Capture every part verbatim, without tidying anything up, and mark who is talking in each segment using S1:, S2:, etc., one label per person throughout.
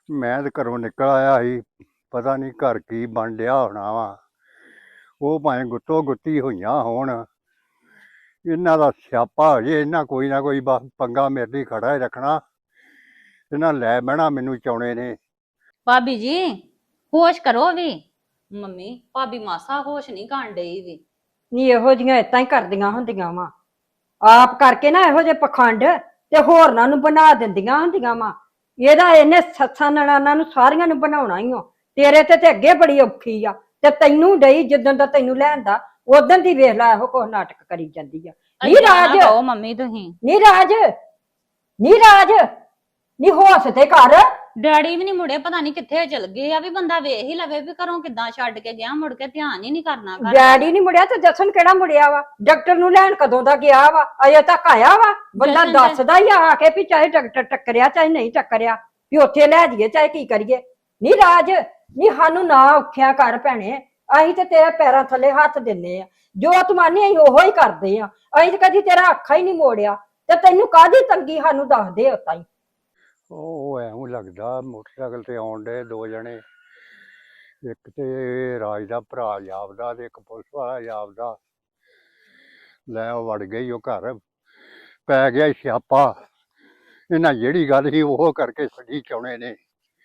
S1: ਮੈਂ ਤੇ ਘਰੋਂ ਨਿਕਲ ਆਇਆ ਸੀ, ਪਤਾ ਨਹੀਂ ਘਰ ਕੀ ਬਣ ਡਿਆ ਹੋਣਾ ਵਾ। ਉਹ ਭਾਵੇਂ ਗੁੱਤੋ ਗੁੱਤੀ ਹੋਈਆਂ ਹੋਣ, ਇਹਨਾਂ ਦਾ ਸਿਆਪਾ ਹੋ ਜੇ। ਇਹਨਾਂ ਕੋਈ ਨਾ ਕੋਈ ਬਸ ਪੰਗਾ ਮੇਰੇ ਲਈ ਖੜਾ ਹੀ ਰੱਖਣਾ। ਇਹਨਾਂ ਲੈ ਬਹਿਣਾ ਮੈਨੂੰ ਚਾਉਣੇ ਨੇ।
S2: ਭਾਬੀ ਜੀ ਹੋਸ਼ ਕਰੋ ਵੀ। ਮੰਮੀ ਭਾਬੀ ਮਾਸਾ ਹੋਸ਼ ਨਹੀਂ ਕਰਨ ਡਈ ਵੀ।
S3: ਨੀ ਇਹੋ ਜੀਆਂ ਏਦਾਂ ਹੀ ਕਰਦੀਆਂ ਹੁੰਦੀਆਂ ਵਾ, ਆਪ ਕਰਕੇ ਨਾ ਇਹੋ ਜਿਹੇ ਪਖੰਡ ਤੇ ਹੋਰਨਾਂ ਨੂੰ ਬਣਾ ਦਿੰਦੀਆਂ ਹੁੰਦੀਆਂ ਵਾ। ਇਹਦਾ ਇਹਨੇ ਸੱਸਾਂ ਨਨਾਣਾਂ ਨੂੰ ਸਾਰੀਆਂ ਨੂੰ ਬਣਾਉਣਾ ਹੀ ਓ। ਤੇਰੇ ਤੇ ਤੇ ਅੱਗੇ ਬੜੀ ਔਖੀ ਆ, ਤੇ ਤੈਨੂੰ ਡਈ ਜਿੱਦਣ ਦਾ ਤੈਨੂੰ ਲੈਂਦਾ ਉਦੋਂ ਦੀ ਵੇਖ ਲੈ ਇਹੋ ਕੁਛ ਨਾਟਕ ਕਰੀ ਜਾਂਦੀ ਆ। ਨੀ ਰਾਜ,
S2: ਕਹੋ ਮੰਮੀ ਤੁਸੀਂ।
S3: ਨੀ ਰਾਜ, ਨੀ ਰਾਜ, ਨੀ ਹੋਸ਼ ਤੇ ਕਰ।
S2: ਡੈਡੀ ਵੀ ਨਹੀਂ ਮੁੜੇ, ਪਤਾ ਨਹੀਂ ਕਿੱਥੇ ਚਲ ਗਏ ਆ। ਵੀ ਬੰਦਾ ਵੇਖ ਹੀ ਲਵੇ ਵੀ ਘਰੋਂ ਕਿੱਦਾਂ ਛੱਡ ਕੇ ਗਿਆ, ਮੁੜ ਕੇ ਧਿਆਨ ਹੀ ਨਹੀਂ ਕਰਨਾ ਘਰ।
S3: ਡੈਡੀ ਨਹੀਂ ਮੁੜਿਆ ਤੇ ਜਸਨ ਕਿਹੜਾ ਮੁੜਿਆ ਵਾ? ਡਾਕਟਰ ਨੂੰ ਲੈਣ ਕਦੋਂ ਦਾ ਗਿਆ ਵਾ? ਅਜੇ ਤੱਕ ਆਇਆ ਵਾ? ਬੰਦਾ
S2: ਜਸ਼ਨ ਤੇ-
S3: ਦੱਸਦਾ ਹੀ ਆ ਕੇ ਵੀ ਚਾਹੇ ਡਾਕਟਰ ਟੱਕਰਿਆ ਚਾਹੇ ਨਹੀਂ ਟੱਕਰਿਆ, ਵੀ ਉੱਥੇ ਲੈ ਜਾਈਏ ਚਾਹੇ ਕੀ ਕਰੀਏ। ਨੀ ਰਾਜ, ਨੀ ਸਾਨੂੰ ਨਾ ਔਖਿਆ ਕਰ ਭੈਣੇ। ਅਸੀਂ ਤੇ ਤੇਰੇ ਪੈਰਾਂ ਥੱਲੇ ਹੱਥ ਦਿੰਨੇ ਆ, ਜੋ ਤੂੰ ਮੰਨੇ ਅਸੀਂ ਉਹੋ ਹੀ ਕਰਦੇ ਆ। ਅਸੀਂ ਤੇ ਕਦੀ ਤੇਰਾ ਅੱਖਾਂ ਹੀ ਨਹੀਂ ਮੋੜਿਆ, ਤੇ ਤੈਨੂੰ ਕਾਹਦੀ ਤੰਗੀ ਸਾਨੂੰ ਦੱਸਦੇ ਹੋ ਤਾਈ।
S1: ਉਹ ਐਵੇਂ ਲੱਗਦਾ ਮੋਟਰਸਾਈਕਲ ਤੇ ਆਉਣ ਡੇ ਦੋ ਜਣੇ, ਇੱਕ ਤੇ ਰਾਜ ਦਾ ਭਰਾ ਜਾਪਦਾ ਤੇ ਇੱਕ ਪੁਲਿਸ ਵਾਲਾ ਜਾਪਦਾ। ਲੈ ਉਹ ਵੜ ਗਈ ਉਹ ਘਰ, ਪੈ ਗਿਆ ਸਿਆਪਾ। ਇਹਨਾਂ ਜਿਹੜੀ ਗੱਲ ਸੀ ਉਹ ਕਰਕੇ ਛੱਡੀ ਚਾਉਣੇ ਨੇ।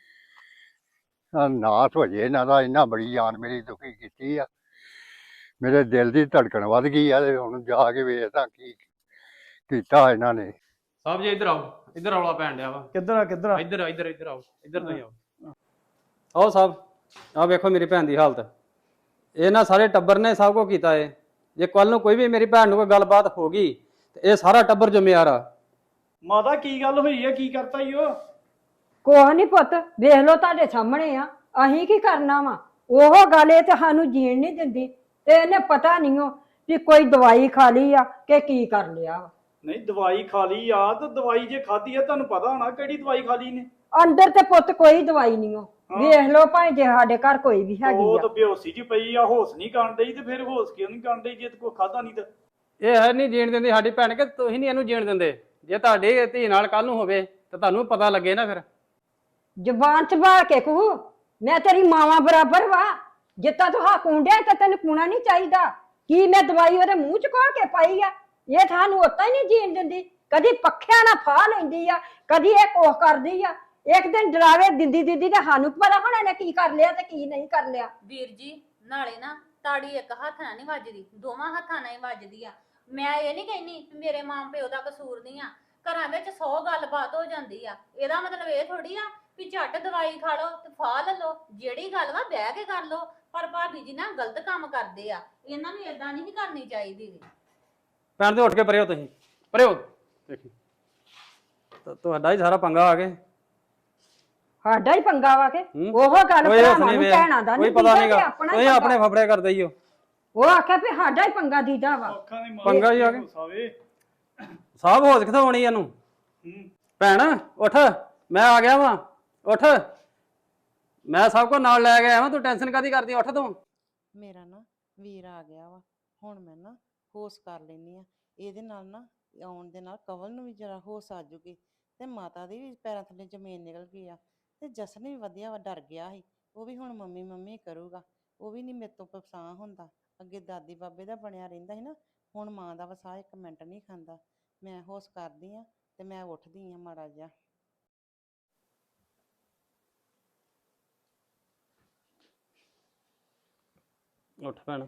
S1: ਨਾਸ ਹੋ ਜੇ ਇਹਨਾਂ ਦਾ। ਇਹਨਾਂ ਬੜੀ ਜਾਨ ਮੇਰੀ ਦੁਖੀ ਕੀਤੀ ਆ। ਮੇਰੇ ਦਿਲ ਦੀ ਧੜਕਣ ਵੱਧ ਗਈ ਆ। ਤੇ ਹੁਣ ਜਾ ਕੇ ਵੇਖਦਾ ਕੀ ਕੀਤਾ ਇਹਨਾਂ ਨੇ।
S4: ਸਾਹਿਬ ਜੀ ਇੱਧਰ ਆਓ, ਇੱਧਰ ਰੌਲਾ ਪੈਣ ਡਿਆ ਵਾ।
S5: ਕਿੱਧਰ ਆ ਕਿੱਧਰ ਆ?
S4: ਇੱਧਰ ਇੱਧਰ ਇੱਧਰ ਆਓ, ਇੱਧਰ ਤੁਸੀਂ ਆਓ।
S5: ਆਓ ਸਾਹਿਬ, ਆਹ ਵੇਖੋ ਮੇਰੀ ਭੈਣ ਦੀ ਹਾਲਤ। ਇਹ ਨਾ ਸਾਰੇ ਟੱਬਰ ਨੇ ਸਭ ਕੁਝ ਕੀਤਾ ਏ। ਜੇ ਕੱਲ ਨੂੰ ਕੋਈ ਵੀ ਮੇਰੀ ਭੈਣ ਨੂੰ ਕੋਈ ਗੱਲਬਾਤ ਹੋ ਗਈ ਤੇ ਇਹ ਸਾਰਾ ਟੱਬਰ ਜ਼ਿੰਮੇਵਾਰ ਆ।
S6: ਮਾਤਾ ਕੀ ਗੱਲ ਹੋਈ ਹੈ? ਕੀ ਕਰਤਾ ਈ ਉਹ?
S3: ਕੋਹ ਨੀ ਪੁੱਤ, ਵੇਖ ਲੋ ਤੁਹਾਡੇ ਸਾਹਮਣੇ ਆ। ਅਸੀਂ ਕੀ ਕਰਨਾ ਵਾ? ਉਹ ਗੱਲ ਇਹ ਤੇ ਸਾਨੂੰ ਜੀਣ ਨਹੀਂ ਦਿੰਦੀ, ਤੇ ਇਹਨੇ ਪਤਾ ਨਹੀਂ ਉਹ ਵੀ ਕੋਈ ਦਵਾਈ ਖਾ ਲਈ ਆ ਕਿ ਕੀ ਕਰ ਲਿਆ ਵਾ।
S6: ਨਹੀਂ ਦਵਾਈ ਖਾ ਲਈ ਆ ਤਾਂ ਦਵਾਈ ਜੇ ਖਾਧੀ ਹੈ ਤੁਹਾਨੂੰ ਪਤਾ ਹੋਣਾ ਕਿਹੜੀ ਦਵਾਈ ਖਾ ਲਈ ਨੇ।
S3: ਅੰਦਰ ਤੇ ਪੁੱਤ ਕੋਈ ਦਵਾਈ ਨਹੀਂ ਉਹ। ਵੇਖ ਲੋ ਭਾਵੇਂ ਜੇ ਸਾਡੇ ਘਰ ਕੋਈ ਵੀ ਹੈਗੀ
S6: ਉਹ
S3: ਆ।
S6: ਤਾਂ ਬੇਹੋਸੀ ਜੀ ਪਈ ਆ, ਹੋਸ਼ ਨਹੀਂ ਕਰਨ ਡਈ ਤੇ ਫਿਰ ਹੋਸ਼ ਕਿਉਂ ਨਹੀਂ ਕਰਨ ਡਈ ਜੇ ਕੋਈ ਖਾਦਾ ਨਹੀਂ ਤਾਂ?
S5: ਇਹ ਹੈ ਨਹੀਂ ਜੀਣ ਦਿੰਦੀ ਸਾਡੀ ਭੈਣ, ਕਿ ਤੁਸੀਂ ਨਹੀਂ ਇਹਨੂੰ ਜੀਣ ਦਿੰਦੇ? ਜੇ ਤੁਹਾਡੀ ਧੀ ਨਾਲ ਕੱਲ ਨੂੰ ਹੋਵੇ ਤਾਂ ਤੁਹਾਨੂੰ ਪਤਾ ਲੱਗੇ ਨਾ। ਫਿਰ
S3: ਜ਼ਬਾਨ ਸੰਭਾਲ ਕੇ ਕਹੂ, ਮੈਂ ਤੇਰੀ ਮਾਵਾਂ ਬਰਾਬਰ ਵਾ। ਜਿੱਤਾ ਤੂੰ ਹਾਂ ਕੁੰਡਿਆ ਤਾਂ ਤੈਨੂੰ ਕੂਣਾ ਨਹੀਂ ਚਾਹੀਦਾ। ਕੀ ਮੈਂ ਦਵਾਈ ਉਹਦੇ ਮੂੰਹ ਚ ਘੋਲ ਕੇ ਪਾਈ ਆ? ਇਹ ਤੁਹਾਨੂੰ ਉਤਾਂ ਹੀ ਨਹੀਂ ਜੀਣ ਦਿੰਦੀ। ਕਦੀ ਪੱਖਿਆਂ ਨਾਲ ਫਾਹ ਲੈਂਦੀ ਆ, ਕਦੀ ਇਹ ਕੋਹ ਕਰਦੀ ਆ। ਇੱਕ ਦਿਨ ਡਰਾਵੇ ਦਿੰਦੀ ਦਿੰਦੀ ਤੇ ਸਾਨੂੰ ਪਤਾ ਹੁਣ ਇਹਨੇ ਕੀ ਕਰ ਲਿਆ ਤੇ ਕੀ ਨਹੀਂ ਕਰ ਲਿਆ।
S2: ਵੀਰ ਜੀ ਨਾਲੇ ਨਾ ਤਾੜੀ ਇੱਕ ਹੱਥ ਨਾਲ ਨਹੀਂ ਵੱਜਦੀ, ਦੋਵਾਂ ਹੱਥਾਂ ਨਾਲ ਹੀ ਵੱਜਦੀ ਆ। ਮੈਂ ਇਹ ਨਹੀਂ ਕਹਿੰਦੀ ਮੇਰੇ ਮਾਂ ਪਿਓ ਦਾ ਕਸੂਰ ਨਹੀਂ ਆ। ਘਰਾਂ ਵਿੱਚ ਸੌ ਗੱਲਬਾਤ ਹੋ ਜਾਂਦੀ ਆ। ਇਹਦਾ ਮਤਲਬ ਇਹ ਥੋੜੀ ਆ ਵੀ ਝੱਟ ਦਵਾਈ ਖਾ ਲਓ ਤੇ ਫਾਹ ਲੈ ਲਓ। ਜਿਹੜੀ ਗੱਲ ਵਾ ਬਹਿ ਕੇ ਕਰ ਲਓ। ਪਰ ਭਾਬੀ ਜੀ ਨਾ ਗਲਤ ਕੰਮ ਕਰਦੇ ਆ। ਇਹਨਾਂ ਨੂੰ ਏਦਾਂ ਨਹੀਂ ਕਰਨੀ ਚਾਹੀਦੀ।
S5: ਭੈਣ ਦੇ ਉੱਠ ਕੇ ਪਰੇ ਹੋ, ਤੁਸੀਂ ਪਰੇ ਹੋ। ਦੇਖੀ ਤੁਹਾਡਾ ਹੀ ਸਾਰਾ ਪੰਗਾ ਆ ਗਿਆ।
S3: ਸਾਡਾ ਹੀ ਪੰਗਾ ਵਾ ਕੇ
S5: ਹੂੰ।
S3: ਉਹ ਗੱਲ
S5: ਕੋਈ
S3: ਭਰਾਵਾਂ
S5: ਹੱਸ ਨਹੀਂ
S3: ਨੂੰ
S5: ਵੇ,
S3: ਭੈਣਾਂ ਦਾ
S5: ਕੋਈ
S3: ਨਹੀਂ
S5: ਪਤਾ
S3: ਦੀਦਾ
S5: ਨਹੀਂਗਾ।
S3: ਤੇ ਆਪਣਾ ਹੀ
S5: ਤੁਸੀਂ ਆਪਣੇ
S3: ਪੰਗਾ।
S5: ਫਫੜੇ ਕਰਦੇ ਹੀ ਹੋ।
S3: ਉਹ ਆਖਿਆ ਵੀ ਸਾਡਾ ਹੀ ਪੰਗਾ ਦੀਦਾ ਵਾ।
S6: ਅੱਖਾਂ ਦੀ ਮਾਰ
S5: ਪੰਗਾ ਹੀ ਆ ਗਿਆ।
S6: ਸਾਵੇ
S5: ਸਾਹਬ ਹੋਸ਼ ਕਿੱਥੋਂ ਆਉਣੀ ਇਹਨੂੰ?
S6: ਹੂੰ
S5: ਭੈਣ ਉੱਠ, ਮੈਂ ਆ ਗਿਆ ਵਾਂ। ਉੱਠ, ਮੈਂ ਸਭ ਕੋ ਨਾਲ ਲੈ ਗਿਆ ਵਾਂ। ਤੂੰ ਟੈਨਸ਼ਨ ਕਾਦੀ ਕਰਦੀ? ਉੱਠ ਤੂੰ।
S7: ਮੇਰਾ ਨਾ ਵੀਰ ਆ ਗਿਆ ਵਾ। ਹੁਣ ਮੈਂ ਨਾ ਹੋਸ਼ ਕਰ ਲੈਣੀ ਆ। ਇਹਦੇ ਨਾਲ ਨਾ ਆਉਣ ਦੇ ਨਾਲ ਕਵਲ ਨੂੰ ਵੀ ਜਰਾ ਹੋਸ਼ ਆ ਜੂਗੀ, ਤੇ ਮਾਤਾ ਦੀ ਵੀ ਪੈਰਾਂ ਥੱਲੇ ਜ਼ਮੀਨ ਨਿਕਲ ਗਈ ਆ। ਤੇ ਜਸਨ ਵੀ ਵਧੀਆ ਵਾ, ਡਰ ਗਿਆ ਸੀ। ਉਹ ਵੀ ਹੁਣ ਮੰਮੀ ਮੰਮੀ ਕਰੂਗਾ। ਉਹ ਵੀ ਨਹੀਂ ਮੇਰੇ ਤੋਂ ਪਛਾਣ ਹੁੰਦਾ। ਅੱਗੇ ਦਾਦੀ ਬਾਬੇ ਦਾ ਬਣਿਆ ਰਹਿੰਦਾ ਸੀ ਨਾ, ਹੁਣ ਮਾਂ ਦਾ ਵਸਾ ਇੱਕ ਮਿੰਟ ਨਹੀਂ ਖਾਂਦਾ। ਮੈਂ ਹੋਸ਼ ਕਰਦੀ ਆ ਤੇ ਮੈਂ ਉੱਠਦੀ ਆ ਮਾੜਾ ਜਿਹਾ।
S5: ਉੱਠ ਭੈਣ,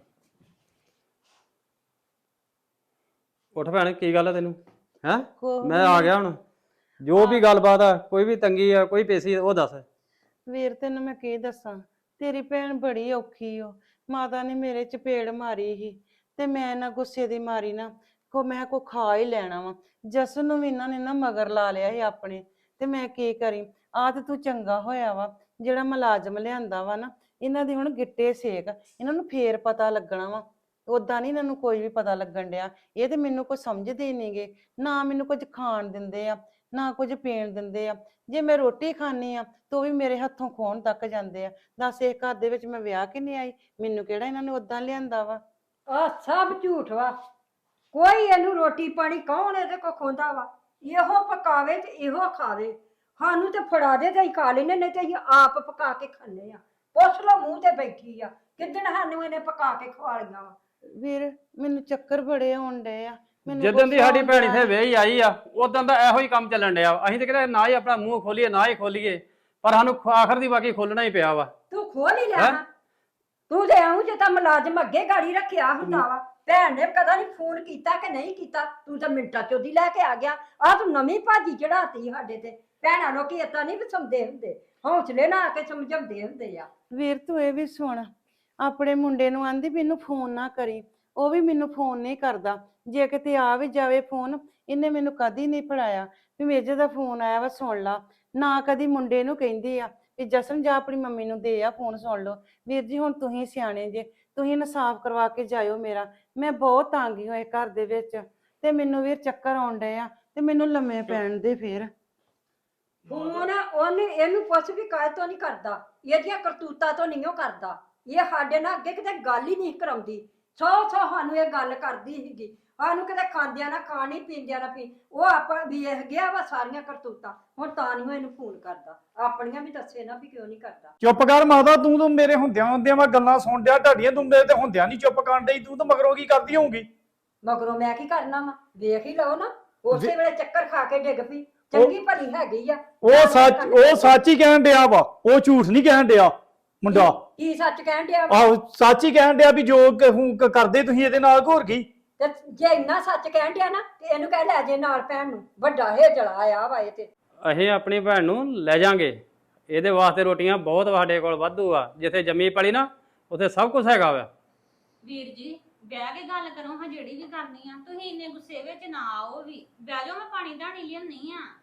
S5: ਉੱਠ ਭੈਣ। ਕੀ ਗੱਲ ਆ ਤੈਨੂੰ? ਹੈ ਮੈਂ ਆ ਗਿਆ ਹੁਣ। ਜੋ ਵੀ ਗੱਲਬਾਤ ਆ, ਕੋਈ ਵੀ ਤੰਗੀ ਆ, ਕੋਈ ਪੇਸੀ ਉਹ ਦੱਸ।
S7: ਵੀਰ ਤੈਨੂੰ ਮੈਂ ਕੀ ਦੱਸਾਂ, ਤੇਰੀ ਭੈਣ ਬੜੀ ਔਖੀ ਓ। ਮਾਤਾ ਨੇ ਮੇਰੇ ਚਪੇੜ ਮਾਰੀ ਸੀ ਤੇ ਮੈਂ ਨਾ ਗੁੱਸੇ ਦੀ ਮਾਰੀ ਨਾ ਕੋ ਮੈਂ ਕੋ ਖਾ ਹੀ ਲੈਣਾ ਵਾ। ਜਸਨ ਨੂੰ ਵੀ ਇਹਨਾਂ ਨੇ ਨਾ ਮਗਰ ਲਾ ਲਿਆ ਸੀ ਆਪਣੇ, ਤੇ ਮੈਂ ਕੀ ਕਰੀ। ਆ ਤੇ ਤੂੰ ਚੰਗਾ ਹੋਇਆ ਵਾ ਜਿਹੜਾ ਮੁਲਾਜ਼ਮ ਲਿਆਂਦਾ ਵਾ ਨਾ। ਇਹਨਾਂ ਦੇ ਹੁਣ ਗਿੱਟੇ ਸੇਕ, ਇਹਨਾਂ ਨੂੰ ਫੇਰ ਪਤਾ ਲੱਗਣਾ ਵਾ। ਉਦਾਂ ਨਹੀਂ ਇਹਨਾਂ ਨੂੰ ਕੋਈ ਵੀ ਪਤਾ ਲੱਗਣ ਡਿਆ। ਇਹ ਤੇ ਮੈਨੂੰ ਕੁਝ ਸਮਝਦੇ ਨਹੀਂਗੇ, ਨਾ ਮੈਨੂੰ ਕੁਝ ਖਾਣ ਦਿੰਦੇ ਆ ਨਾ ਕੁਝ ਪੀਣ ਦਿੰਦੇ ਆ। ਜੇ ਮੈਂ ਰੋਟੀ ਖਾਣੀ ਆ ਤਾਂ ਉਹ ਵੀ ਮੇਰੇ ਹੱਥੋਂ ਖੋਣ ਤੱਕ ਜਾਂਦੇ ਆ। ਦੱਸ ਇਹ ਘਰ ਦੇ ਵਿੱਚ ਮੈਂ ਵਿਆਹ ਕੇ ਨਹੀਂ ਆਈ? ਮੈਨੂੰ ਕਿਹੜਾ ਇਹਨਾਂ ਨੇ ਉਦਾਂ ਲਿਆਂਦਾ ਵਾ?
S3: ਆ ਸਭ ਝੂਠ ਵਾ। ਕੋਈ ਇਹਨੂੰ ਰੋਟੀ ਪਾਣੀ ਕੌਣ ਇਹਦੇ ਕੋ ਖੋਂਦਾ ਵਾ? ਇਹੋ ਪਕਾਵੇ ਤੇ ਇਹੋ ਖਾਵੇ। ਸਾਨੂੰ ਤੇ ਫੜਾ ਦੇ ਤੇ ਅਸੀਂ ਖਾ ਲੈਨੇ, ਨਹੀਂ ਤੇ ਅਸੀਂ ਆਪ ਪਕਾ ਕੇ ਖਾਂਦੇ ਆ। ਪੁੱਛ ਲਓ ਮੂੰਹ ਤੇ ਬੈਠੀ ਆ ਕਿੱਦਣ ਸਾਨੂੰ ਇਹਨੇ ਪਕਾ ਕੇ ਖਵਾ ਲਈਆਂ ਵਾ।
S7: ਵੀਰ ਮੈਨੂੰ ਚੱਕਰ ਬੜੇ ਆਉਣ ਡਏ ਆ, ਮੈਨੂੰ
S5: ਜਿੱਦਣ ਦੀ
S7: ਗੁੱਸਾ
S5: ਸਾਡੀ
S7: ਆਉਂਦਾ
S5: ਭੈਣ
S7: ਹੈ।
S5: ਇੱਥੇ ਵਿਆਹੀ ਆਈ ਆ ਉਦੋਂ ਦਾ ਇਹੋ ਹੀ ਕੰਮ ਚੱਲਣ ਡਿਆ ਵਾ। ਅਸੀਂ ਤੇ ਕਿਤੇ ਨਾ ਹੀ ਆਪਣਾ ਮੂੰਹ ਖੋਲੀਏ ਨਾ ਹੀ ਖੋਲੀਏ, ਪਰ ਸਾਨੂੰ ਆਖਰ ਦੀ ਬਾਕੀ ਖੋਲਣਾ ਹੀ ਪਿਆ ਵਾ।
S3: ਤੂੰ ਖੋਲ ਹੀ ਲਿਆ
S5: ਹੈਂ?
S3: ਨਾ। ਤੂੰ ਤੇ ਆਉਂ ਜੇ ਤਾਂ ਮੁਲਾਜ਼ਮ ਅੱਗੇ ਗਾੜੀ ਰੱਖਿਆ ਹੁੰਦਾ ਵਾ। ਭੈਣ ਨੇ ਕਦਾ ਨਹੀਂ ਫੋਨ ਕੀਤਾ ਕਿ ਨਹੀਂ ਕੀਤਾ, ਤੂੰ ਤਾਂ ਮਿੰਟਾਂ ਚ ਉਹਦੀ ਲੈ ਕੇ ਆ ਗਿਆ। ਆ ਤੂੰ ਨਵੀਂ ਭਾਜੀ ਚੜਾਤੀ ਸਾਡੇ ਤੇ। ਭੈਣਾਂ ਲੋਕੀ ਏਦਾਂ ਨਹੀਂ ਵਸਾਉਂਦੇ ਹੁੰਦੇ, ਹੌਸਲੇ ਨਾਲ ਆ ਕੇ ਸਮਝਾਉਂਦੇ ਹੁੰਦੇ ਆ।
S7: ਵੀਰ ਤੂੰ ਇਹ ਵੀ ਸੁਣ, ਆਪਣੇ ਮੁੰਡੇ ਨੂੰ ਆਂਦੀ ਮੈਨੂੰ ਫੋਨ ਨਾ ਕਰੀ, ਉਹ ਵੀ ਮੈਨੂੰ ਫੋਨ ਨਹੀਂ ਕਰਦਾ। ਜੇ ਕਿਤੇ ਆ ਵੀ ਜਾਵੇ ਫੋਨ, ਇਹਨੇ ਮੈਨੂੰ ਕਦੀ ਨਹੀਂ ਫੜਾਇਆ ਵੀ ਮੇਜੇ ਦਾ ਫੋਨ ਆਇਆ ਵਾ ਸੁਣ ਲਾ। ਨਾ ਕਦੀ ਮੁੰਡੇ ਨੂੰ ਕਹਿੰਦੀ ਆ ਵੀ ਜਸਨ ਜਾ ਆਪਣੀ ਮੰਮੀ ਨੂੰ ਦੇ ਆ ਫੋਨ ਸੁਣ ਲਓ। ਵੀਰ ਜੀ ਹੁਣ ਤੁਸੀਂ ਸਿਆਣੇ ਜੇ, ਤੁਸੀਂ ਇਨਸਾਫ ਕਰਵਾ ਕੇ ਜਾਇਓ ਮੇਰਾ। ਮੈਂ ਬਹੁਤ ਤੰਗੀ ਹੋਏ ਘਰ ਦੇ ਵਿੱਚ ਤੇ ਮੈਨੂੰ ਵੀਰ ਚੱਕਰ ਆਉਣ ਡਏ ਆ ਤੇ ਮੈਨੂੰ ਲੰਮੇ ਪੈਣ ਦੇ ਫੇਰ।
S3: ਫੋਨ ਉਹਨੇ ਇਹਨੂੰ ਪੁੱਛ ਵੀ ਕਾਹ ਤੋਂ ਨਹੀਂ ਕਰਦਾ, ਇਹਦੀਆਂ ਕਰਤੂਤਾਂ ਤੋਂ ਨਹੀਂ ਉਹ ਕਰਦਾ। ਇਹ ਸਾਡੇ ਨਾਲ ਅੱਗੇ ਕਿਤੇ ਗੱਲ ਹੀ ਨਹੀਂ ਕਰਾਉਂਦੀ। ਸੌ ਸੌ ਸਾਨੂੰ ਇਹ ਗੱਲ ਕਰਦੀ ਸੀਗੀ, ਸਾਨੂੰ ਕਿਤੇ ਖਾਂਦਿਆਂ ਨਾ ਖਾਣੀ ਪੀਂਦਿਆਂ ਨਾ ਪੀ। ਉਹ ਆਪਾਂ ਵੇਖ ਗਿਆ ਵਾ ਸਾਰੀਆਂ ਕਰਤੂਤਾਂ, ਹੁਣ ਤਾਂ ਨਹੀਂ ਉਹ ਇਹਨੂੰ ਫੋਨ ਕਰਦਾ। ਆਪਣੀਆਂ ਵੀ ਦੱਸੇ ਨਾ ਵੀ ਕਿਉਂ ਨਹੀਂ ਕਰਦਾ।
S6: ਚੁੱਪ ਕਰ ਮਾਤਾ, ਤੂੰ ਤਾਂ ਮੇਰੇ ਹੁੰਦਿਆਂ ਹੁੰਦਿਆਂ ਮੈਂ ਗੱਲਾਂ ਸੁਣ ਡਿਆ ਢਾਡੀਆਂ, ਤੂੰ ਮੇਰੇ ਤੇ ਹੁੰਦਿਆਂ ਨਹੀਂ ਚੁੱਪ ਕਰਨ ਡਈ। ਤੂੰ ਤਾਂ ਮਗਰੋਂ ਕੀ ਕਰਦੀ ਹੋਊਗੀ?
S3: ਮਗਰੋਂ ਮੈਂ ਕੀ ਕਰਨਾ ਵਾ, ਵੇਖ ਹੀ ਲਓ ਨਾ। ਉਸੇ ਵੇਲੇ ਚੱਕਰ ਖਾ ਕੇ ਡਿੱਗ ਪਈ। ਚੰਗੀ ਭਲੀ ਹੈਗੀ ਆ।
S6: ਉਹ ਸੱਚ ਉਹ ਸੱਚ ਹੀ ਕਹਿਣ ਡਿਆ ਵਾ, ਉਹ ਝੂਠ ਨਹੀਂ ਕਹਿਣ ਡਿਆ ਮੁੰਡਾ।
S3: ਕੀ ਸੱਚ ਕਹਿਣ ਡਿਆ ਵਾ?
S6: ਆਹੋ ਸੱਚ ਹੀ ਕਹਿਣ ਡਿਆ ਵੀ ਜੋ ਕ- ਹੁਣ ਕ- ਕਰਦੇ ਤੁਸੀਂ ਇਹਦੇ ਨਾਲ ਹੋਰ ਕੀ।
S3: ਤੇ ਜੇ ਇੰਨਾ ਸੱਚ ਕਹਿਣ ਡਿਆ ਨਾ ਤੇ ਇਹਨੂੰ ਕਹਿ ਲੈ ਜੇ ਨਾਲ ਭੈਣ ਨੂੰ। ਵੱਡਾ ਇਹ ਜਲਾ ਆਇਆ ਵਾ ਇਹ ਤੇ।
S5: ਅਸੀਂ ਆਪਣੀ ਭੈਣ ਨੂੰ ਲੈ ਜਾਾਂਗੇ, ਇਹਦੇ ਵਾਸਤੇ ਰੋਟੀਆਂ ਬਹੁਤ ਸਾਡੇ ਕੋਲ ਵਾਧੂ ਆ। ਜਿੱਥੇ ਜੰਮੀ ਪਲੀ ਨਾ ਉੱਥੇ ਸਭ ਕੁਝ ਹੈਗਾ ਵਾ।
S2: ਵੀਰ ਜੀ ਬਹਿ ਕੇ ਗੱਲ ਕਰੋ ਹਾਂ, ਜਿਹੜੀ ਵੀ ਕਰਨੀ ਆ। ਤੁਸੀਂ ਇੰਨੇ ਗੁੱਸੇ ਵਿੱਚ ਨਾ ਆਓ ਵੀ, ਬਹਿ ਜਾਓ, ਮੈਂ ਪਾਣੀ ਧਾਣੀ ਲਿਆਉਣੀ ਆ।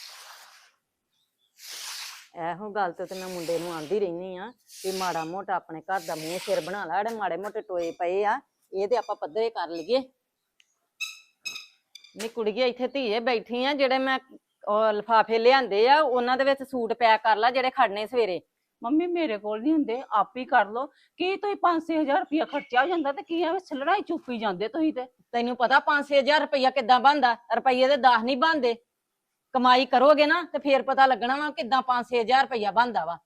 S8: ਇਹੋ ਗੱਲ ਤੇ ਤੇ ਮੈਂ ਮੁੰਡੇ ਨੂੰ ਆਂਦੀ ਰਹਿਨੀ ਆ ਵੀ ਮਾੜਾ ਮੋਟਾ ਆਪਣੇ ਘਰ ਦਾ ਮੂੰਹ ਸਿਰ ਬਣਾ ਲੈ। ਜਿਹੜੇ ਮਾੜੇ ਮੋਟੇ ਟੋਏ ਪਏ ਆ ਇਹ ਤੇ ਆਪਾਂ ਪੱਧਰੇ ਕਰ ਲਈਏ। ਨੀ ਕੁੜੀਏ ਇੱਥੇ ਧੀਏ ਬੈਠੀ ਆ, ਜਿਹੜੇ ਮੈਂ ਉਹ ਲਿਫਾਫੇ ਲਿਆਂਦੇ ਆ ਉਹਨਾਂ ਦੇ ਵਿੱਚ ਸੂਟ ਪੈਕ ਕਰ ਲੈ ਜਿਹੜੇ ਖੜਨੇ ਸਵੇਰੇ।
S9: ਮੰਮੀ ਮੇਰੇ ਕੋਲ ਨਹੀਂ ਹੁੰਦੇ, ਆਪ ਹੀ ਕਰ ਲੋ। ਕੀ ਤੁਸੀਂ ਪੰਜ ਛੇ ਹਜ਼ਾਰ ਰੁਪਇਆ ਖਰਚਾ ਹੋ ਜਾਂਦਾ ਤੇ ਕੀ ਐਵੇਂ ਛਲੜਾ ਹੀ ਚੁੱਪੀ ਜਾਂਦੇ ਤੁਸੀਂ ਤੇ।
S8: ਤੈਨੂੰ ਪਤਾ ਪੰਜ ਛੇ ਹਜ਼ਾਰ ਰੁਪਇਆ ਕਿੱਦਾਂ ਬਣਦਾ? ਰੁਪਈਏ ਦੇ ਦਸ ਨਹੀਂ ਬਣਦੇ। ਕਮਾਈ ਕਰੋਗੇ ਨਾ ਤੇ ਫੇਰ ਪਤਾ ਲੱਗਣਾ ਵਾ ਕਿੱਦਾਂ ਪੰਜ ਛੇ ਹਜ਼ਾਰ ਰੁਪਇਆ ਬਣਦਾ ਵਾ।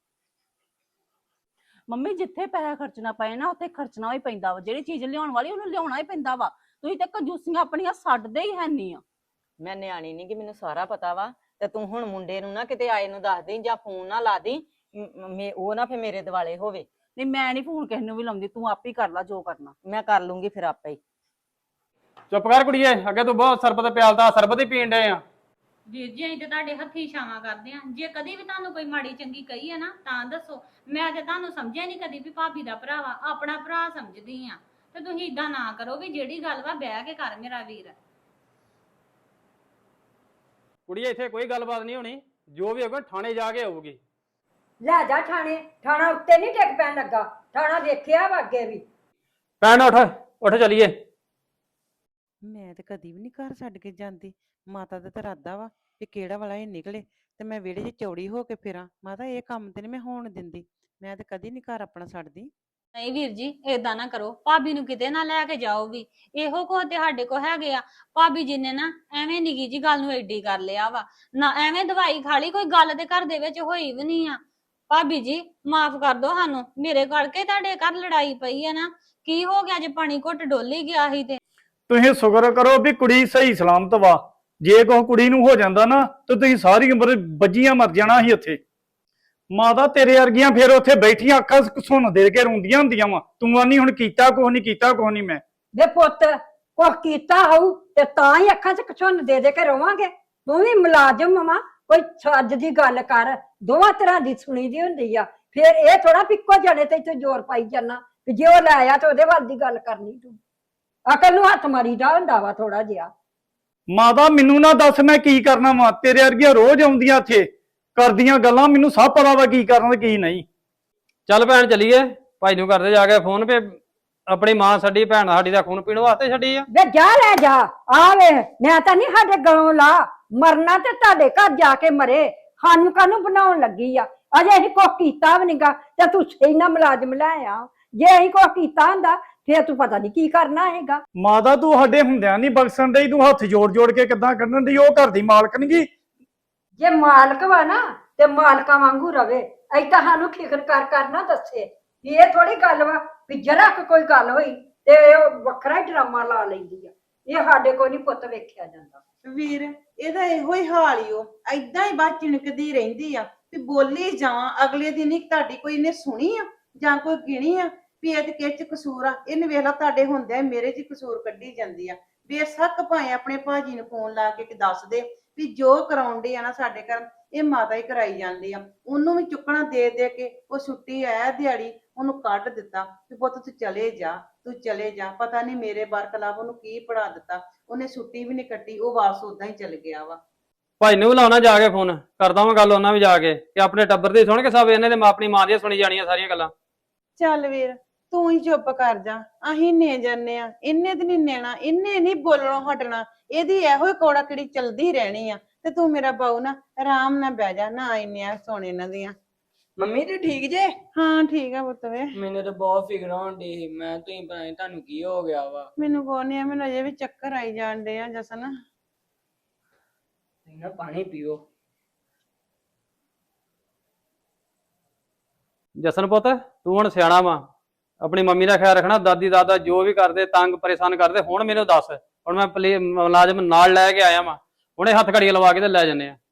S9: ਮੰਮੀ ਜਿੱਥੇ ਪੈਸਾ ਖਰਚਣਾ ਪਏ ਨਾ ਉੱਥੇ ਖਰਚਣਾ ਹੀ ਪੈਂਦਾ ਵਾ। ਜਿਹੜੀ ਚੀਜ਼ ਲਿਆਉਣ ਵਾਲੀ ਉਹਨੂੰ ਲਿਆਉਣਾ ਹੀ ਪੈਂਦਾ ਵਾ। ਤੁਸੀਂ ਤੇ ਕੰਜੂਸੀਆਂ ਆਪਣੀਆਂ ਛੱਡਦੇ ਹੀ ਹੈ ਨਹੀਂ ਆ।
S8: ਮੈਂ ਨਿਆਣੀ ਨਹੀਂ ਕਿ ਮੈਨੂੰ ਸਾਰਾ ਪਤਾ ਵਾ। ਤੇ ਤੂੰ ਹੁਣ ਮੁੰਡੇ ਨੂੰ ਨਾ ਕਿਤੇ ਆਏ ਨੂੰ ਦੱਸ ਦੇਈਂ ਜਾਂ ਫੋਨ ਨਾ ਲਾ ਦੇਈਂ, ਮ- ਮੇ- ਉਹ ਨਾ ਫੇ ਮੇਰੇ ਦਿਵਾਲੇ ਹੋਵੇ।
S9: ਨਹੀਂ ਮੈਂ ਨਹੀਂ ਫੋਨ ਕਿਸੇ ਨੂੰ ਵੀ ਲਾਉਂਦੀ, ਤੂੰ ਆਪ ਹੀ ਕਰ ਲੈ ਜੋ ਕਰਨਾ।
S8: ਮੈਂ ਕਰ ਲੂੰਗੀ ਫਿਰ ਆਪੇ ਹੀ।
S5: ਚੁੱਪ ਕਰ ਕੁੜੀਏ, ਅੱਗੇ ਤੂੰ ਬਹੁਤ ਸਰਬਤ ਪਿਆਲਦਾ, ਸਰਬਤ ਹੀ ਪੀਣ ਡਏ ਆ।
S2: ਵੀਰ ਜੀ ਅਸੀਂ ਤੇ ਤੁਹਾਡੇ ਹੱਥੀ ਛਾਵਾਂ ਕਰਦੇ ਆ। ਜੇ ਕਦੀ ਵੀ ਤੁਹਾਨੂੰ ਕੋਈ ਮਾੜੀ ਚੰਗੀ ਕਹੀ ਹੈ ਨਾ ਤਾਂ ਦੱਸੋ। ਮੈਂ ਤੇ ਤੁਹਾਨੂੰ ਸਮਝਿਆ ਨਹੀਂ ਕਦੀ ਵੀ ਭਾਬੀ ਦਾ ਭਰਾ ਵਾ, ਆਪਣਾ ਭਰਾ ਸਮਝਦੀ ਆ। ਤੇ ਤੁਸੀਂ ਇਦਾਂ ਨਾ ਕਰੋ ਵੀ ਜਿਹੜੀ ਗੱਲ ਵਾ ਬਹਿ ਕੇ ਕਰ ਮੇਰਾ ਵੀਰ।
S5: ਕੁੜੀਏ ਇੱਥੇ ਕੋਈ ਗੱਲਬਾਤ ਨਹੀਂ ਹੋਣੀ, ਜੋ ਵੀ ਹੋਊਗਾ ਥਾਣੇ ਜਾ ਕੇ ਹੋਊਗੀ।
S3: ਲੈ ਜਾ ਥਾਣੇ। ਥਾਣਾ ਉੱਤੇ ਨਹੀਂ ਡਿੱਗ ਪੈਣ ਲੱਗਾ, ਥਾਣਾ ਵੇਖਿਆ ਵਾ ਅੱਗੇ ਵੀ।
S5: ਭੈਣ ਉੱਠ ਉੱਠ ਚਲੀਏ।
S7: ਮੈਂ ਤੇ ਕਦੀ ਵੀ ਨਹੀਂ ਘਰ ਛੱਡ ਕੇ ਜਾਂਦੀ। ਮਾਤਾ ਦਾ ਤਾਂ ਇਰਾਦਾ ਵਾ ਵੀ ਕਿਹੜਾ ਵਾਲਾ ਇਹ ਨਿਕਲੇ ਤੇ ਮੈਂ ਵਿਹੜੇ 'ਚ ਚੌੜੀ ਹੋ ਕੇ ਫਿਰਾਂ। ਮਾਤਾ ਇਹ ਕੰਮ ਤੇ ਨਹੀਂ ਮੈਂ ਹੋਣ ਦਿੰਦੀ। ਮੈਂ ਤੇ ਕਦੀ ਨਹੀਂ ਘਰ ਆਪਣਾ ਛੱਡਦੀ।
S2: ਨਹੀਂ ਵੀਰ ਜੀ ਏਦਾਂ ਨਾ ਕਰੋ, ਭਾਬੀ ਨੂੰ ਕਿਤੇ ਨਾ ਲੈ ਕੇ ਜਾਓ ਵੀ। ਇਹੋ ਕੁਝ ਤੇ ਸਾਡੇ ਕੋ ਹੈਗੇ ਆ। ਭਾਬੀ ਜੀ ਨੇ ਨਾ ਐਵੇਂ ਨਿੱਕੀ ਜੀ ਗੱਲ ਨੂੰ ਐਡੀ ਕਰ ਲਿਆ ਵਾ ਨਾ, ਐਵੇਂ ਦਵਾਈ ਖਾ ਲਈ। ਕੋਈ ਗੱਲ ਤੇ ਘਰ ਦੇ ਵਿੱਚ ਹੋਈ ਵੀ ਨਹੀਂ ਆ। ਭਾਬੀ ਜੀ ਮਾਫ ਕਰ ਦੋ ਸਾਨੂੰ, ਮੇਰੇ ਕਰਕੇ ਤੁਹਾਡੇ ਘਰ ਲੜਾਈ ਪਈ ਆ ਨਾ। ਕੀ ਹੋ ਗਿਆ ਜੇ ਪਾਣੀ ਘੁੱਟ ਡੋਲੀ ਗਿਆ ਸੀ ਤੇ।
S6: ਤੁਸੀਂ ਸ਼ੁਕਰ ਕਰੋ ਵੀ ਕੁੜੀ ਸਹੀ ਸਲਾਮਤ ਵਾ। ਜੇ ਕੋਈ ਕੁੜੀ ਨੂੰ ਹੋ ਜਾਂਦਾ ਨਾ ਤੇ ਤੁਸੀਂ ਸਾਰੀ ਉਮਰ ਬੱਜੀਆਂ ਮਰ ਜਾਣਾ ਸੀ ਉੱਥੇ। ਮਾਤਾ ਤੇਰੇ ਵਰਗੀਆਂ ਫਿਰ ਉੱਥੇ ਬੈਠੀਆਂ ਅੱਖਾਂ ਸੁਣ ਦੇ ਕੇ ਰੋਂਦੀਆਂ ਹੁੰਦੀਆਂ ਵਾ। ਤੂੰ ਆਨੀ ਹੁਣ ਕੀਤਾ ਕੁਛ ਨਹੀਂ, ਕੀਤਾ ਕੁਛ ਨਹੀਂ। ਮੈਂ
S3: ਵੇ ਪੁੱਤ ਕੁਛ ਕੀਤਾ ਹੋਊ ਤੇ ਤਾਂ ਹੀ ਅੱਖਾਂ 'ਚ ਕਛੁੰਨ ਦੇ ਦੇ ਕੇ ਰਵਾਂਗੇ। ਤੂੰ ਵੀ ਮੁਲਾਜ਼ਮ ਵਾ, ਕੋਈ ਛੱਜ ਦੀ ਗੱਲ ਕਰ। ਦੋਵਾਂ ਤਰ੍ਹਾਂ ਦੀ ਸੁਣੀ ਦੀ ਹੁੰਦੀ ਆ। ਫਿਰ ਇਹ ਥੋੜਾ ਪਿੱਕੋ ਜਾਣੇ ਤੇ ਇੱਥੇ ਜ਼ੋਰ ਪਾਈ ਜਾਣਾ ਕਿ ਜੇ ਉਹ ਲੈ ਆਇਆ ਤੇ ਉਹਦੇ ਵੱਲ ਦੀ ਗੱਲ ਕਰਨੀ। ਤੂੰ ਅਕਲ ਨੂੰ ਹੱਥ ਮਾਰੀਦਾ ਹੁੰਦਾ ਵਾ ਥੋੜਾ ਜਿਹਾ।
S6: ਮਾਤਾ ਮੈਨੂੰ ਨਾ ਦੱਸ ਮੈਂ ਕੀ ਕਰਨਾ ਵਾ। ਤੇਰੇ ਵਰਗੀਆਂ ਰੋਜ਼ ਆਉਂਦੀਆਂ ਇੱਥੇ ਕਰਦੀਆਂ ਗੱਲਾਂ, ਮੈਨੂੰ ਸਭ ਪਤਾ ਵਾ ਕੀ ਕਰਨਾ ਤੇ ਕੀ ਨਹੀਂ।
S5: ਚੱਲ ਭੈਣ ਚਲੀਏ, ਭਾਈ ਨੂੰ ਕਰਦੇ ਜਾ ਕੇ ਫੋਨ ਪੇ। ਆਪਣੀ ਮਾਂ ਛੱਡੀ, ਭੈਣ ਸਾਡੀ ਦਾ ਖੂਨ ਪੀਣ ਵਾਸਤੇ ਛੱਡੀ ਆ।
S3: ਵੇ ਜਾ ਲੈ ਜਾ। ਆ ਵੇ ਮੈਂ ਤਾਂ ਨਹੀਂ ਸਾਡੇ ਗਲੋਂ ਲਾ ਮਰਨਾ ਤੇ ਤੁਹਾਡੇ ਘਰ ਜਾ ਕੇ ਮਰੇ। ਸਾਨੂੰ ਕਾਹਨੂੰ ਬਣਾਉਣ ਲੱਗੀ ਆ? ਅਜੇ ਅਸੀਂ ਕੁਛ ਕੀਤਾ ਵੀ ਨਹੀਂਗਾ ਤੇ ਤੂੰ ਇੰਨਾ ਮੁਲਾਜ਼ਮ ਲੈ ਆ। ਜੇ ਅਸੀਂ ਕੁਛ ਕੀਤਾ ਹੁੰਦਾ ਫੇਰ ਤੂੰ ਪਤਾ ਨਹੀਂ ਕੀ ਕਰਨਾ ਹੈਗਾ।
S6: ਮਾਤਾ ਤੂੰ ਸਾਡੇ ਹੁੰਦਿਆਂ ਨਹੀਂ ਬਖਸ਼ਣ ਡਈ। ਤੂੰ ਹੱਥ ਜੋੜ ਜੋੜ ਕੇ ਕਿੱਦਾਂ ਕੱਢਣ ਡਈ? ਉਹ ਘਰ ਦੀ ਮਾਲਕਣ ਗੀ,
S3: ਜੇ ਮਾਲਕ ਵਾ ਨਾ ਤੇ ਮਾਲਕਾਂ ਵਾਂਗੂ ਰਵੇ। ਐਦਾਂ ਸਾਨੂੰ ਫਿਕਰ ਕਰ ਕਰ ਨਾ ਦੱਸੇ ਵੀ ਇਹ ਥੋੜੀ ਗੱਲ ਵਾ ਵੀ ਜਰਾ ਕੁ ਕੋਈ ਗੱਲ ਹੋਈ ਤੇ ਉਹ ਵੱਖਰਾ ਹੀ ਡਰਾਮਾ ਲਾ ਲੈਂਦੀ ਆ। ਇਹ ਸਾਡੇ ਕੋਲ ਨਹੀਂ ਪੁੱਤ ਵੇਖਿਆ ਜਾਂਦਾ।
S7: ਵੀਰ ਇਹਦਾ ਇਹੋ ਹੀ ਹਾਲ ਹੀ ਉਹ ਐਦਾਂ ਹੀ ਬਸ ਚਿਣਕਦੀ ਰਹਿੰਦੀ ਆ ਵੀ ਬੋਲੀ ਜਾਵਾਂ। ਅਗਲੇ ਦਿਨ ਹੀ ਤੁਹਾਡੀ ਕੋਈ ਨੇ ਸੁਣੀ ਆ ਜਾਂ ਕੋਈ ਗਿਣੀ ਆ ਵੀ ਇਹ ਤੇ ਕਿਹ ਚ ਕਸੂਰ ਆ। ਇਹਨੇ ਵੇਖ ਲਾ ਤੁਹਾਡੇ ਹੁੰਦਿਆਂ ਮੇਰੇ ਚ ਕਸੂਰ ਕੱਢੀ ਜਾਂਦੀ ਆ। ਬੇਸ਼ੱਕ ਭਾਵੇਂ ਆਪਣੇ ਭਾਜੀ ਨੂੰ ਫੋਨ ਲਾ ਕੇ ਦੱਸ ਦੇ ਵੀ ਜੋ ਕਰਾਉਂਦੇ ਆ ਨਾ ਸਾਡੇ ਘਰ ਇਹ ਮਾਤਾ ਹੀ ਕਰਾਈ ਜਾਂਦੀ ਆ। ਉਹਨੂੰ ਵੀ ਚੁੱਕਣਾ ਦੇ ਦੇ ਕੇ ਉਹ ਛੁੱਟੀ ਆਇਆ ਦਿਹਾੜੀ ਉਹਨੂੰ ਕੱਢ ਦਿੱਤਾ ਵੀ ਪੁੱਤ ਤੂੰ ਚਲੇ ਜਾ ਤੂੰ ਚਲੇ ਜਾ। ਪਤਾ ਨਹੀਂ ਮੇਰੇ ਬਰਖਲਾਫ ਉਹਨੂੰ ਕੀ ਪੜਾ ਦਿੱਤਾ। ਉਹਨੇ ਛੁੱਟੀ ਵੀ ਨਹੀਂ ਕੱਟੀ, ਉਹ ਵਾਪਸ ਉਦਾਂ ਹੀ ਚਲ ਗਿਆ ਵਾ।
S5: ਭਾਈ ਨੂੰ ਲਾਉਣਾ ਜਾ ਕੇ ਫੋਨ ਕਰਦਾ ਵਾਂ ਗੱਲ ਉਹਨਾਂ ਵੀ ਜਾ ਕੇ ਕਿ ਆਪਣੇ ਟੱਬਰ ਦੀ ਸੁਣ ਕੇ ਸਭ ਇਹਨੇ ਤੇ ਆਪਣੀ ਮਾਂ ਦੀਆਂ ਸੁਣੀ ਜਾਣੀਆਂ ਸਾਰੀਆਂ ਗੱਲਾਂ।
S7: ਚੱਲ ਵੀਰ ਤੂੰ ਹੀ ਚੁੱਪ ਕਰ ਜਾ। ਅਸੀਂ ਨੇ ਜਾਨੇ ਆ ਇਹਨੇ ਤੇ ਨਹੀਂ ਨੈਣਾ, ਇਹਨੇ ਨਹੀਂ ਬੋਲਣੋਂ ਹਟਣਾ। ਇਹਦੀ ਇਹੋ ਹੀ ਕੋੜਾ ਕਿੜੀ ਚਲਦੀ ਰਹਿਣੀ ਆ। ਤੇ ਤੂੰ ਮੇਰਾ ਬਾਊ ਨਾ ਆਰਾਮ ਨਾਲ ਬਹਿ ਜਾ ਨਾ ਇੰਨੀਆਂ ਸੁਣ ਇਹਨਾਂ ਦੀਆਂ।
S10: ਮੰਮੀ ਤੇ ਠੀਕ ਜੇ?
S7: ਹਾਂ ਠੀਕ ਆ ਪੁੱਤ ਵੇ।
S10: ਮੈਨੂੰ ਤਾਂ ਬਹੁਤ ਫਿਕਰ ਹੋਣ ਡਈ ਸੀ। ਮੈਂ ਤੁਸੀਂ ਪਤਾ ਨੀ ਤੁਹਾਨੂੰ ਕੀ ਹੋ ਗਿਆ ਵਾ।
S7: ਮੈਨੂੰ ਕੋਈ ਨਹੀਂ ਆ, ਮੈਨੂੰ ਅਜੇ ਵੀ ਚੱਕਰ ਆਈ ਜਾਣ ਡੇ ਆ ਜਸਨ।
S10: ਤੁਸੀਂ ਨਾ ਪਾਣੀ ਪੀਓ।
S5: ਜਸਨ ਪੁੱਤ ਤੂੰ ਹੁਣ ਸਿਆਣਾ ਵਾ, ਆਪਣੀ ਮੰਮੀ ਦਾ ਖਿਆਲ ਰੱਖਣਾ। ਦਾਦੀ ਦਾਦਾ ਜੋ ਵੀ ਕਰਦੇ ਤੰਗ ਪਰੇਸ਼ਾਨ ਕਰਦੇ ਹੁਣ ਮੈਨੂੰ ਦੱਸ। ਹੁਣ ਮੈਂ ਪਲੇ ਮੁਲਾਜ਼ਮ ਨਾਲ ਲੈ ਕੇ ਆਇਆ ਵਾ, ਹੁਣੇ ਹੱਥ ਘੜੀਆਂ ਲਵਾ ਕੇ ਤੇ ਲੈ ਜੰਨੇ ਆ।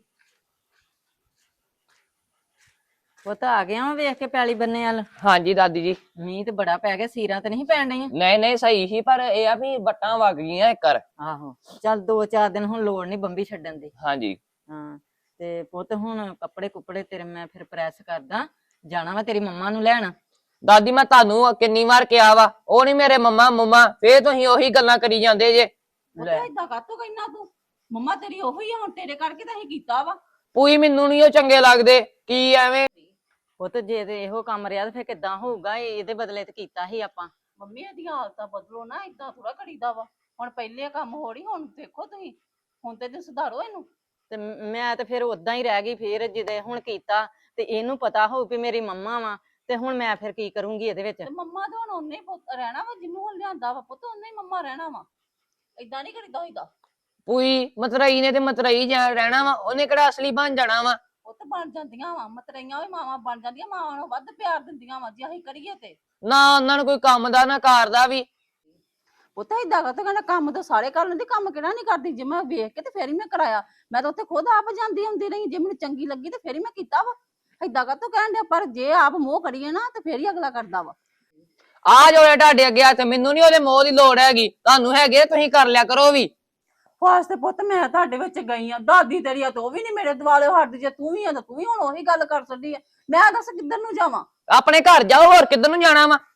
S8: ਉਹ ਤਾਂ ਆ ਗਿਆ ਵਾ ਵੇਖ ਕੇ ਪੈਲੀ ਬੰਨੇ ਵਾਲ।
S10: ਹਾਂਜੀ ਦਾਦੀ ਜੀ।
S8: ਮੀਂਹ ਤੇ ਬੜਾ ਪੈ ਗਿਆ, ਸੀਰਾਂ ਤੇ ਨਹੀਂ ਪੈਣ ਡਈਆਂ।
S10: ਨਹੀਂ ਨਹੀਂ ਸਹੀ ਸੀ, ਪਰ ਇਹ ਆ ਵੀ ਵੱਟਾਂ ਵਗ ਗਈਆਂ ਇੱਕ ਵਾਰ।
S8: ਆਹੋ ਚੱਲ ਦੋ ਚਾਰ ਦਿਨ ਹੁਣ ਲੋੜ ਨਹੀਂ ਬੰਬੀ ਛੱਡਣ ਦੀ।
S10: ਹਾਂਜੀ
S8: ਹਾਂ ਤੇ ਪੁੱਤ ਹੁਣ ਕੱਪੜੇ ਕੁੱਪੜੇ ਤੇਰੇ ਮੈਂ ਫਿਰ ਪ੍ਰੈਸ ਕਰਦਾ, ਜਾਣਾ ਵਾ ਤੇਰੀ ਮੰਮਾ ਨੂੰ ਲੈਣ।
S10: ਦਾਦੀ ਮੈਂ ਤੁਹਾਨੂੰ ਕਿੰਨੀ ਵਾਰ ਕਿਹਾ ਵਾ, ਉਹ ਨਹੀਂ ਮੇਰੇ ਮੰਮਾ ਮੰਮਾ, ਫੇਰ ਤੁਸੀਂ ਉਹੀ ਗੱਲਾਂ ਕਰੀ ਜਾਂਦੇ ਜੇ।
S9: ਉਹ ਤਾਂ ਏਦਾਂ ਕਾਤੋਂ ਕਹਿਣਾ ਤੂੰ? ਮੰਮਾ ਤੇਰੀ ਉਹੀ ਆ, ਹੁਣ ਤੇਰੇ ਕਰਕੇ ਤਾਂ ਅਸੀਂ ਕੀਤਾ ਵਾ।
S10: ਪੂਈ ਮੈਨੂੰ ਨਹੀਂ ਉਹ ਚੰਗੇ ਲੱਗਦੇ। ਕੀ ਐਵੇਂ
S8: ਪੁੱਤ ਜੇ ਤੇ ਇਹੋ ਕੰਮ ਰਿਹਾ ਤੇ ਫਿਰ ਕਿੱਦਾਂ ਹੋਊਗਾ? ਇਹ- ਇਹਦੇ ਬਦਲੇ ਤੇ ਕੀਤਾ ਸੀ ਆਪਾਂ।
S9: ਮੰਮੀ ਇਹਦੀਆਂ ਹਾਲਤਾਂ ਬਦਲੋ ਨਾ, ਏਦਾਂ ਥੋੜਾ ਕਰੀਦਾ ਵਾ। ਹੁਣ ਪਹਿਲੇ ਕੰਮ ਹੋੜੀ, ਹੁਣ ਦੇਖੋ ਤੁਸੀਂ, ਹੁਣ ਤੇ ਤੁਸੀਂ ਸੁਧਾਰੋ ਇਹਨੂੰ।
S8: ਤੇ ਮੈਂ ਤੇ ਫਿਰ ਉਦਾਂ ਹੀ ਰਹਿ ਗਈ। ਫਿਰ ਜਿਹਦੇ ਹੁਣ ਕੀਤਾ ਤੇ ਇਹਨੂੰ ਪਤਾ ਹੋਊ ਵੀ ਮੇਰੀ ਮੰਮਾ ਵਾ, ਤੇ ਹੁਣ ਮੈਂ ਫਿਰ ਕੀ ਕਰੂੰਗੀ ਇਹਦੇ ਵਿੱਚ?
S9: ਤੇ ਮੰਮਾ ਤੇ ਹੁਣ ਉਹਨੇ ਹੀ ਰਹਿਣਾ ਵਾ, ਜਿਹਨੂੰ ਹੁਣ ਲਿਆਂਦਾ ਵਾ ਪੁੱਤ ਉਹਨੇ ਹੀ ਮੰਮਾ ਰਹਿਣਾ ਵਾ। ਏਦਾਂ ਨਹੀਂ ਕਰੀਦਾ ਹੋਈਦਾ।
S10: ਪੂਈ ਮਤਰਈ ਨੇ ਤੇ ਮਤਰਈ ਜਾ ਰਹਿਣਾ ਵਾ, ਉਹਨੇ ਕਿਹੜਾ ਅਸਲੀ ਬਣ ਜਾਣਾ ਵਾ।
S9: ਉਹ ਤਾਂ ਬਣ ਜਾਂਦੀਆਂ ਵਾ, ਮਤਰਈਆਂ ਵੀ ਮਾਵਾਂ ਬਣ ਜਾਂਦੀਆਂ, ਮਾਵਾਂ ਨੂੰ ਵੱਧ ਪਿਆਰ ਦਿੰਦੀਆਂ ਵਾ ਜੇ ਅਸੀਂ ਕਰੀਏ ਤੇ।
S10: ਨਾ ਉਹਨਾਂ ਨੂੰ ਕੋਈ ਕੰਮ ਦਾ ਨਾ ਕਾਰ ਦਾ ਵੀ।
S9: ਉਹ ਤਾਂ ਏਦਾਂ ਕਰਦਾ, ਕਹਿੰਦਾ ਕੰਮ ਤਾਂ ਸਾਰੇ ਕਰ ਲੈਂਦੀ, ਕੰਮ ਕਿਹੜਾ ਨਹੀਂ ਕਰਦੀ। ਜੇ ਮੈਂ ਵੇਖ ਕੇ ਤੇ ਫੇਰ ਹੀ ਮੈਂ ਕਰਾਇਆ। ਮੈਂ ਤਾਂ ਉੱਥੇ ਖੁਦ ਆਪ ਜਾਂਦੀ ਹੁੰਦੀ ਰਹੀ, ਜੇ ਮੈਨੂੰ ਚੰਗੀ ਲੱਗੀ ਤੇ ਫੇਰ ਹੀ ਮੈਂ ਕੀਤਾ ਵਾ। ਏਦਾਂ ਕਾਤੋਂ ਕਹਿਣ ਡਿਆ? ਪਰ ਜੇ ਆਪ ਮੋਹ ਕਰੀਏ ਨਾ ਤੇ ਫੇਰ ਹੀ ਅਗਲਾ ਕਰਦਾ ਵਾ।
S10: ਆ ਜੋੜੇ ਤੁਹਾਡੇ ਅੱਗੇ ਤੇ ਮੈਨੂੰ ਨਹੀਂ ਉਹਦੇ ਮੋਹ ਦੀ ਲੋੜ ਹੈਗੀ, ਤੁਹਾਨੂੰ ਹੈਗੇ ਤੁਸੀਂ ਕਰ ਲਿਆ ਕਰੋ ਵੀ।
S9: ਵਾਸਤੇ ਪੁੱਤ ਮੈਂ ਤੁਹਾਡੇ ਵਿੱਚ ਗਈ ਆ, ਦਾਦੀ ਤੇਰੀ ਆ, ਤੂੰ ਵੀ ਨਹੀਂ ਮੇਰੇ ਦੁਆਲੇ ਹਟਦੀ। ਜੇ ਤੂੰ ਵੀ ਆ ਤਾਂ ਤੂੰ ਵੀ ਹੁਣ ਉਹੀ ਗੱਲ ਕਰ ਸਕਦੀ ਆ। ਮੈਂ ਦੱਸ ਕਿੱਧਰ ਨੂੰ ਜਾਵਾਂ?
S10: ਆਪਣੇ ਘਰ ਜਾਓ, ਹੋਰ ਕਿੱਧਰ ਨੂੰ ਜਾਣਾ ਵਾ।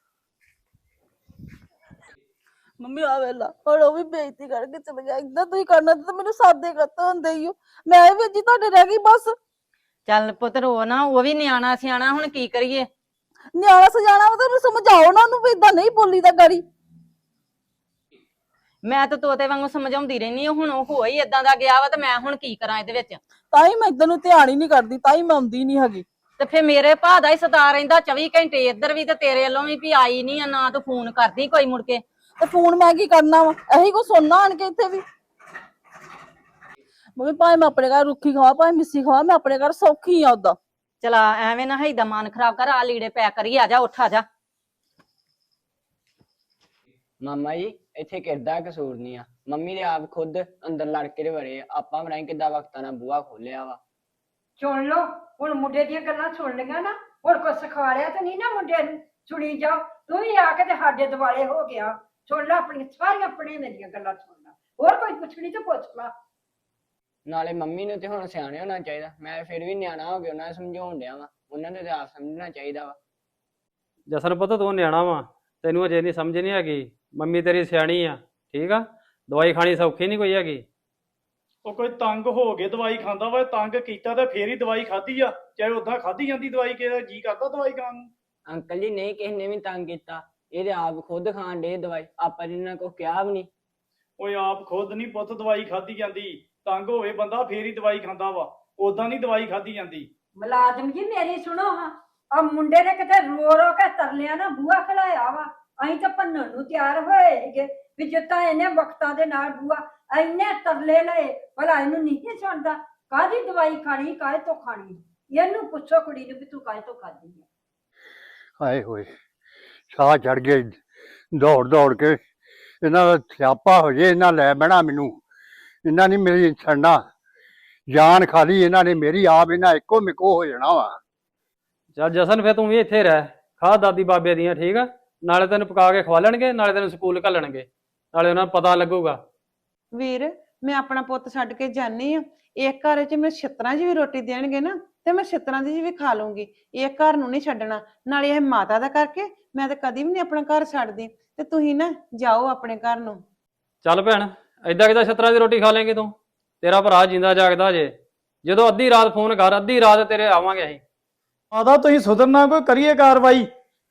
S9: ਮੰਮੀ ਆ ਵੇਲਾ ਹੁਣ ਉਹ ਵੀ ਬੇਇੱਜ਼ਤੀ ਕਰਕੇ ਚਲੇ ਗਿਆ। ਏਦਾਂ ਤੁਸੀਂ ਕਰਨਾ ਤਾਂ ਮੈਨੂੰ ਸਾਦੇ ਕੱਤ ਹੁੰਦੇ ਹੀ ਹੋ। ਮੈਂ ਵੀ ਜੀ ਤੁਹਾਡੇ ਰਹਿ ਗਈ ਬਸ।
S8: ਚੱਲ ਪੁੱਤ ਰੋ ਨਾ, ਉਹ ਵੀ ਨਿਆਣਾ ਸਿਆਣਾ, ਹੁਣ ਕੀ ਕਰੀਏ?
S9: ਨਿਆਣਾ ਸਜਾਣਾ ਵਾ, ਤੈਨੂੰ ਸਮਝਾਓ ਨਾ ਉਹਨੂੰ ਵੀ ਏਦਾਂ ਨਹੀਂ ਬੋਲੀ ਦਾ ਗਾੜੀ।
S8: ਮੈਂ ਤਾਂ ਤੋਤੇ ਵਾਂਗੂ ਸਮਝਾਉਂਦੀ ਰਹਿਨੀ ਆ, ਹੁਣ ਉਹ ਹੋ ਹੀ ਏਦਾਂ ਦਾ ਗਿਆ ਵਾ ਤੇ ਮੈਂ ਹੁਣ ਕੀ ਕਰਾਂ ਇਹਦੇ ਵਿੱਚ?
S9: ਤਾਂ ਹੀ ਮੈਂ ਇਦਾਂ ਨੂੰ ਧਿਆਨ ਹੀ ਨਹੀਂ ਕਰਦੀ, ਤਾਂ ਹੀ ਮੈਂ ਆਉਂਦੀ ਨਹੀਂ ਹੈਗੀ।
S8: ਤੇ ਫੇਰ ਮੇਰੇ ਭਾ ਦਾ ਹੀ ਸਤਾ ਰਹਿੰਦਾ ਚੌਵੀ ਘੰਟੇ, ਇੱਧਰ ਵੀ ਤੇ ਤੇਰੇ ਵੱਲੋਂ ਵੀ ਵੀ ਆਈ ਨਹੀਂ ਆ, ਨਾ ਤੂੰ ਫੋਨ ਕਰਦੀ ਕੋਈ ਮੁੜ ਕੇ।
S9: ਤੇ ਫੋਨ ਮੈਂ ਕੀ ਕਰਨਾ ਵਾ? ਇਹੀ ਕੋ ਸੁਣਨਾ ਆਣ ਕੇ ਇੱਥੇ ਵੀ। ਮੰਮੀ ਭਾਵੇਂ ਮੈਂ ਆਪਣੇ ਘਰ ਰੁੱਖੀ ਖਾਵਾਂ ਭਾਵੇਂ ਮਿੱਸੀ ਖਾਵਾਂ, ਮੈਂ ਆਪਣੇ ਘਰ ਸੌਖੀ ਆ ਉਦਾਂ।
S8: ਚਲਾ ਐਵੇਂ ਨਾ ਹੈਦਾ ਮਨ ਖਰਾਬ ਕਰ, ਆ ਲੀੜੇ ਪੈਕ ਕਰੀ, ਆ ਜਾ ਉੱਠ ਆ ਜਾ।
S10: ਮਾਮਾ ਜੀ ਇੱਥੇ ਕਿੱਦਾਂ ਕਸੂਰ ਨਹੀਂ ਆ, ਮੰਮੀ ਦੇ ਆਪ ਖੁਦ ਅੰਦਰ ਲੜ ਕੇ ਦੇ ਵੜੇ ਆ, ਆਪਾਂ ਬਣਾਈ ਕਿੱਦਾਂ ਵਕਤਾਂ ਨਾਲ ਬੂਹਾ ਖੋਲਿਆ ਵਾ।
S3: ਸੁਣ ਲਓ ਹੁਣ ਮੁੰਡੇ ਦੀਆਂ ਗੱਲਾਂ ਸੁਣ ਲਈਆਂ ਨਾ, ਹੁਣ ਕੁਛ ਸਿਖਾੜਿਆ ਤਾਂ ਨਹੀਂ ਨਾ ਮੁੰਡੇ ਨੂੰ। ਸੁਣੀ ਜਾਓ, ਤੂੰ ਵੀ ਆ ਕੇ ਤੇ ਸਾਡੇ ਦੁਆਲੇ ਹੋ ਗਿਆ। ਸੁਣ ਲੈ ਆਪਣੀਆਂ ਸਾਰੀਆਂ ਪੜੀਆਂ ਦੀਆਂ ਗੱਲਾਂ ਸੁਣ ਲੈ, ਹੋਰ ਕੋਈ ਪੁੱਛਣੀ ਤੇ ਪੁੱਛ ਲਾ।
S10: ਨਾਲੇ ਮੰਮੀ ਨੂੰ ਤੇ ਹੁਣ ਸਿਆਣੇ ਹੋਣਾ ਚਾਹੀਦਾ, ਮੈਂ ਫਿਰ ਵੀ ਨਿਆਣਾ ਹੋ ਗਿਆ, ਉਹਨਾਂ ਨੂੰ ਸਮਝਾਉਣ ਡਿਆ ਵਾ, ਉਹਨਾਂ ਨੂੰ ਤੇ ਆਪ ਸਮਝਣਾ ਚਾਹੀਦਾ ਵਾ।
S5: ਜਸਨ ਪੁੱਤ ਤੂੰ ਨਿਆਣਾ ਵਾ, ਤੈਨੂੰ ਅਜੇ ਨਹੀਂ ਸਮਝ ਨਹੀਂ ਹੈਗੀ। ਮੰਮੀ ਤੇਰੀ ਸਿਆਣੀ ਆ, ਠੀਕ ਆ। ਦਵਾਈ ਖਾਣੀ ਸੌਖੀ ਨਹੀਂ ਕੋਈ ਹੈਗੀ।
S6: ਉਹ ਕੋਈ ਤੰਗ ਹੋ ਕੇ ਦਵਾਈ ਖਾਂਦਾ ਵਾ, ਤੰਗ ਕੀਤਾ ਤੇ ਫੇਰ ਹੀ ਦਵਾਈ ਖਾਧੀ ਆ। ਚਾਹੇ ਉਦਾਂ ਖਾਧੀ ਜਾਂਦੀ ਦਵਾਈ, ਕਿਹਦਾ ਜੀ ਕਰਦਾ ਦਵਾਈ ਖਾਣ ਨੂੰ।
S10: ਅੰਕਲ ਜੀ ਨਹੀਂ ਕਿਸੇ ਨੇ ਵੀ ਤੰਗ ਕੀਤਾ, ਇਹਦੇ ਆਪ ਖੁਦ ਖਾਣ ਡੇ ਦਵਾਈ, ਆਪਾਂ ਜਿੰਨਾ ਕੋ ਕਿਹਾ ਵੀ ਨਹੀਂ।
S6: ਓਏ ਆਪ ਖੁਦ ਨਹੀਂ ਪੁੱਤ ਦਵਾਈ ਖਾਧੀ ਜਾਂਦੀ, ਤੰਗ ਹੋਵੇ ਬੰਦਾ ਫੇਰ ਹੀ ਦਵਾਈ ਖਾਂਦਾ ਵਾ, ਉਦਾਂ ਨਹੀਂ ਦਵਾਈ ਖਾਧੀ ਜਾਂਦੀ।
S3: ਮੁਲਾਜ਼ਮ ਜੀ ਮੇਰੀ ਸੁਣੋ ਹਾਂ, ਆ ਮੁੰਡੇ ਨੇ ਕਿਤੇ ਰੋ ਰੋ ਕੇ ਤਰਲਿਆ ਨਾ ਬੂਹਾ ਖਲਾਇਆ ਵਾ। ਅਸੀਂ ਤਾਂ ਭੰਨਣ ਨੂੰ ਤਿਆਰ ਹੋਏ ਸੀਗੇ ਵੀ ਜਿੱਦਾਂ ਇਹਨੇ ਵਕਤਾਂ ਦੇ ਨਾਲ ਬੂਹਾ ਇੰਨੇ ਤਰਲੇ ਲਏ, ਭਲਾ ਇਹਨੂੰ ਨਹੀਂ ਸੁਣਦਾ। ਕਾਹਦੀ ਦਵਾਈ ਖਾਣੀ, ਕਾਹਦੇ ਤੋਂ ਖਾਣੀ? ਇਹਨੂੰ ਪੁੱਛੋ ਕੁੜੀ ਨੂੰ ਵੀ ਤੂੰ ਕਾਹਦੇ ਤੋਂ ਖਾਦੀ ਹੈ।
S1: ਹਾਏ ਹੋਏ, ਸਾਹ ਚੜ ਗਏ ਦੌੜ ਦੌੜ ਕੇ। ਇਹਨਾਂ ਦਾ ਸਿਆਪਾ ਹੋ ਜੇ, ਇਹਨਾਂ ਲੈ ਬਹਿਣਾ ਮੈਨੂੰ। ਇਹਨਾਂ ਨੇ ਮੇਰੀ ਛੱਡਣਾ, ਜਾਨ ਖਾਲੀ ਇਹਨਾਂ ਨੇ ਮੇਰੀ, ਆਪ ਇਹਨਾਂ ਇੱਕੋ ਮਿੱਕੋ ਹੋ ਜਾਣਾ ਵਾ।
S5: ਚੱਲ ਜਸਨ ਫਿਰ ਤੂੰ ਵੀ ਇੱਥੇ ਰਹਿ, ਖਾ ਦਾਦੀ ਬਾਬੇ ਦੀਆਂ, ਠੀਕ ਆ? ਨਾਲੇ ਤੈਨੂੰ ਪਕਾ ਕੇ ਖਵਾ ਲੈਣਗੇ, ਨਾਲੇ ਤੈਨੂੰ ਸਕੂਲ ਘੱਲਣਗੇ, ਨਾਲੇ ਉਹਨਾਂ ਨੂੰ ਪਤਾ ਲੱਗੂਗਾ।
S7: ਵੀਰ ਮੈਂ ਆਪਣਾ ਪੁੱਤ ਛੱਡ ਕੇ ਜਾਨੀ ਆ, ਇੱਕ ਘਰ 'ਚ ਮੈਂ ਛਿੱਤਰਾਂ 'ਚ ਵੀ ਰੋਟੀ ਦੇਣਗੇ ਨਾ ਤੇ ਮੈਂ ਛਿੱਤਰਾਂ ਦੀ ਵੀ ਖਾ ਲੂੰਗੀ। ਇਹ ਘਰ ਨੂੰ ਨਹੀਂ ਛੱਡਣਾ, ਨਾਲੇ ਇਹ ਮਾਤਾ ਦਾ ਕਰਕੇ ਮੈਂ ਤਾਂ ਕਦੀ ਵੀ ਨਹੀਂ ਆਪਣਾ ਘਰ ਛੱਡਦੀ। ਤੇ ਤੁਸੀਂ ਨਾ ਜਾਓ ਆਪਣੇ ਘਰ ਨੂੰ।
S5: ਚੱਲ ਭੈਣ, ਏਦਾਂ ਕਿਦਾਂ ਛਤਰਾਂ ਦੀ ਰੋਟੀ ਖਾ ਲੇਂਗੀ ਤੂੰ? ਤੇਰਾ ਭਰਾ ਜਿੰਦਾ ਜਾਗਦਾ ਜੇ, ਜਦੋਂ ਅੱਧੀ ਰਾਤ ਫੋਨ ਕਰ, ਅੱਧੀ ਰਾਤ ਤੇਰੇ ਆਵਾਂਗੇ ਅਸੀਂ।
S6: ਮਾਤਾ ਤੁਸੀਂ ਸੁਧਰਨਾ, ਕੋਈ ਕਰੀਏ ਕਾਰਵਾਈ।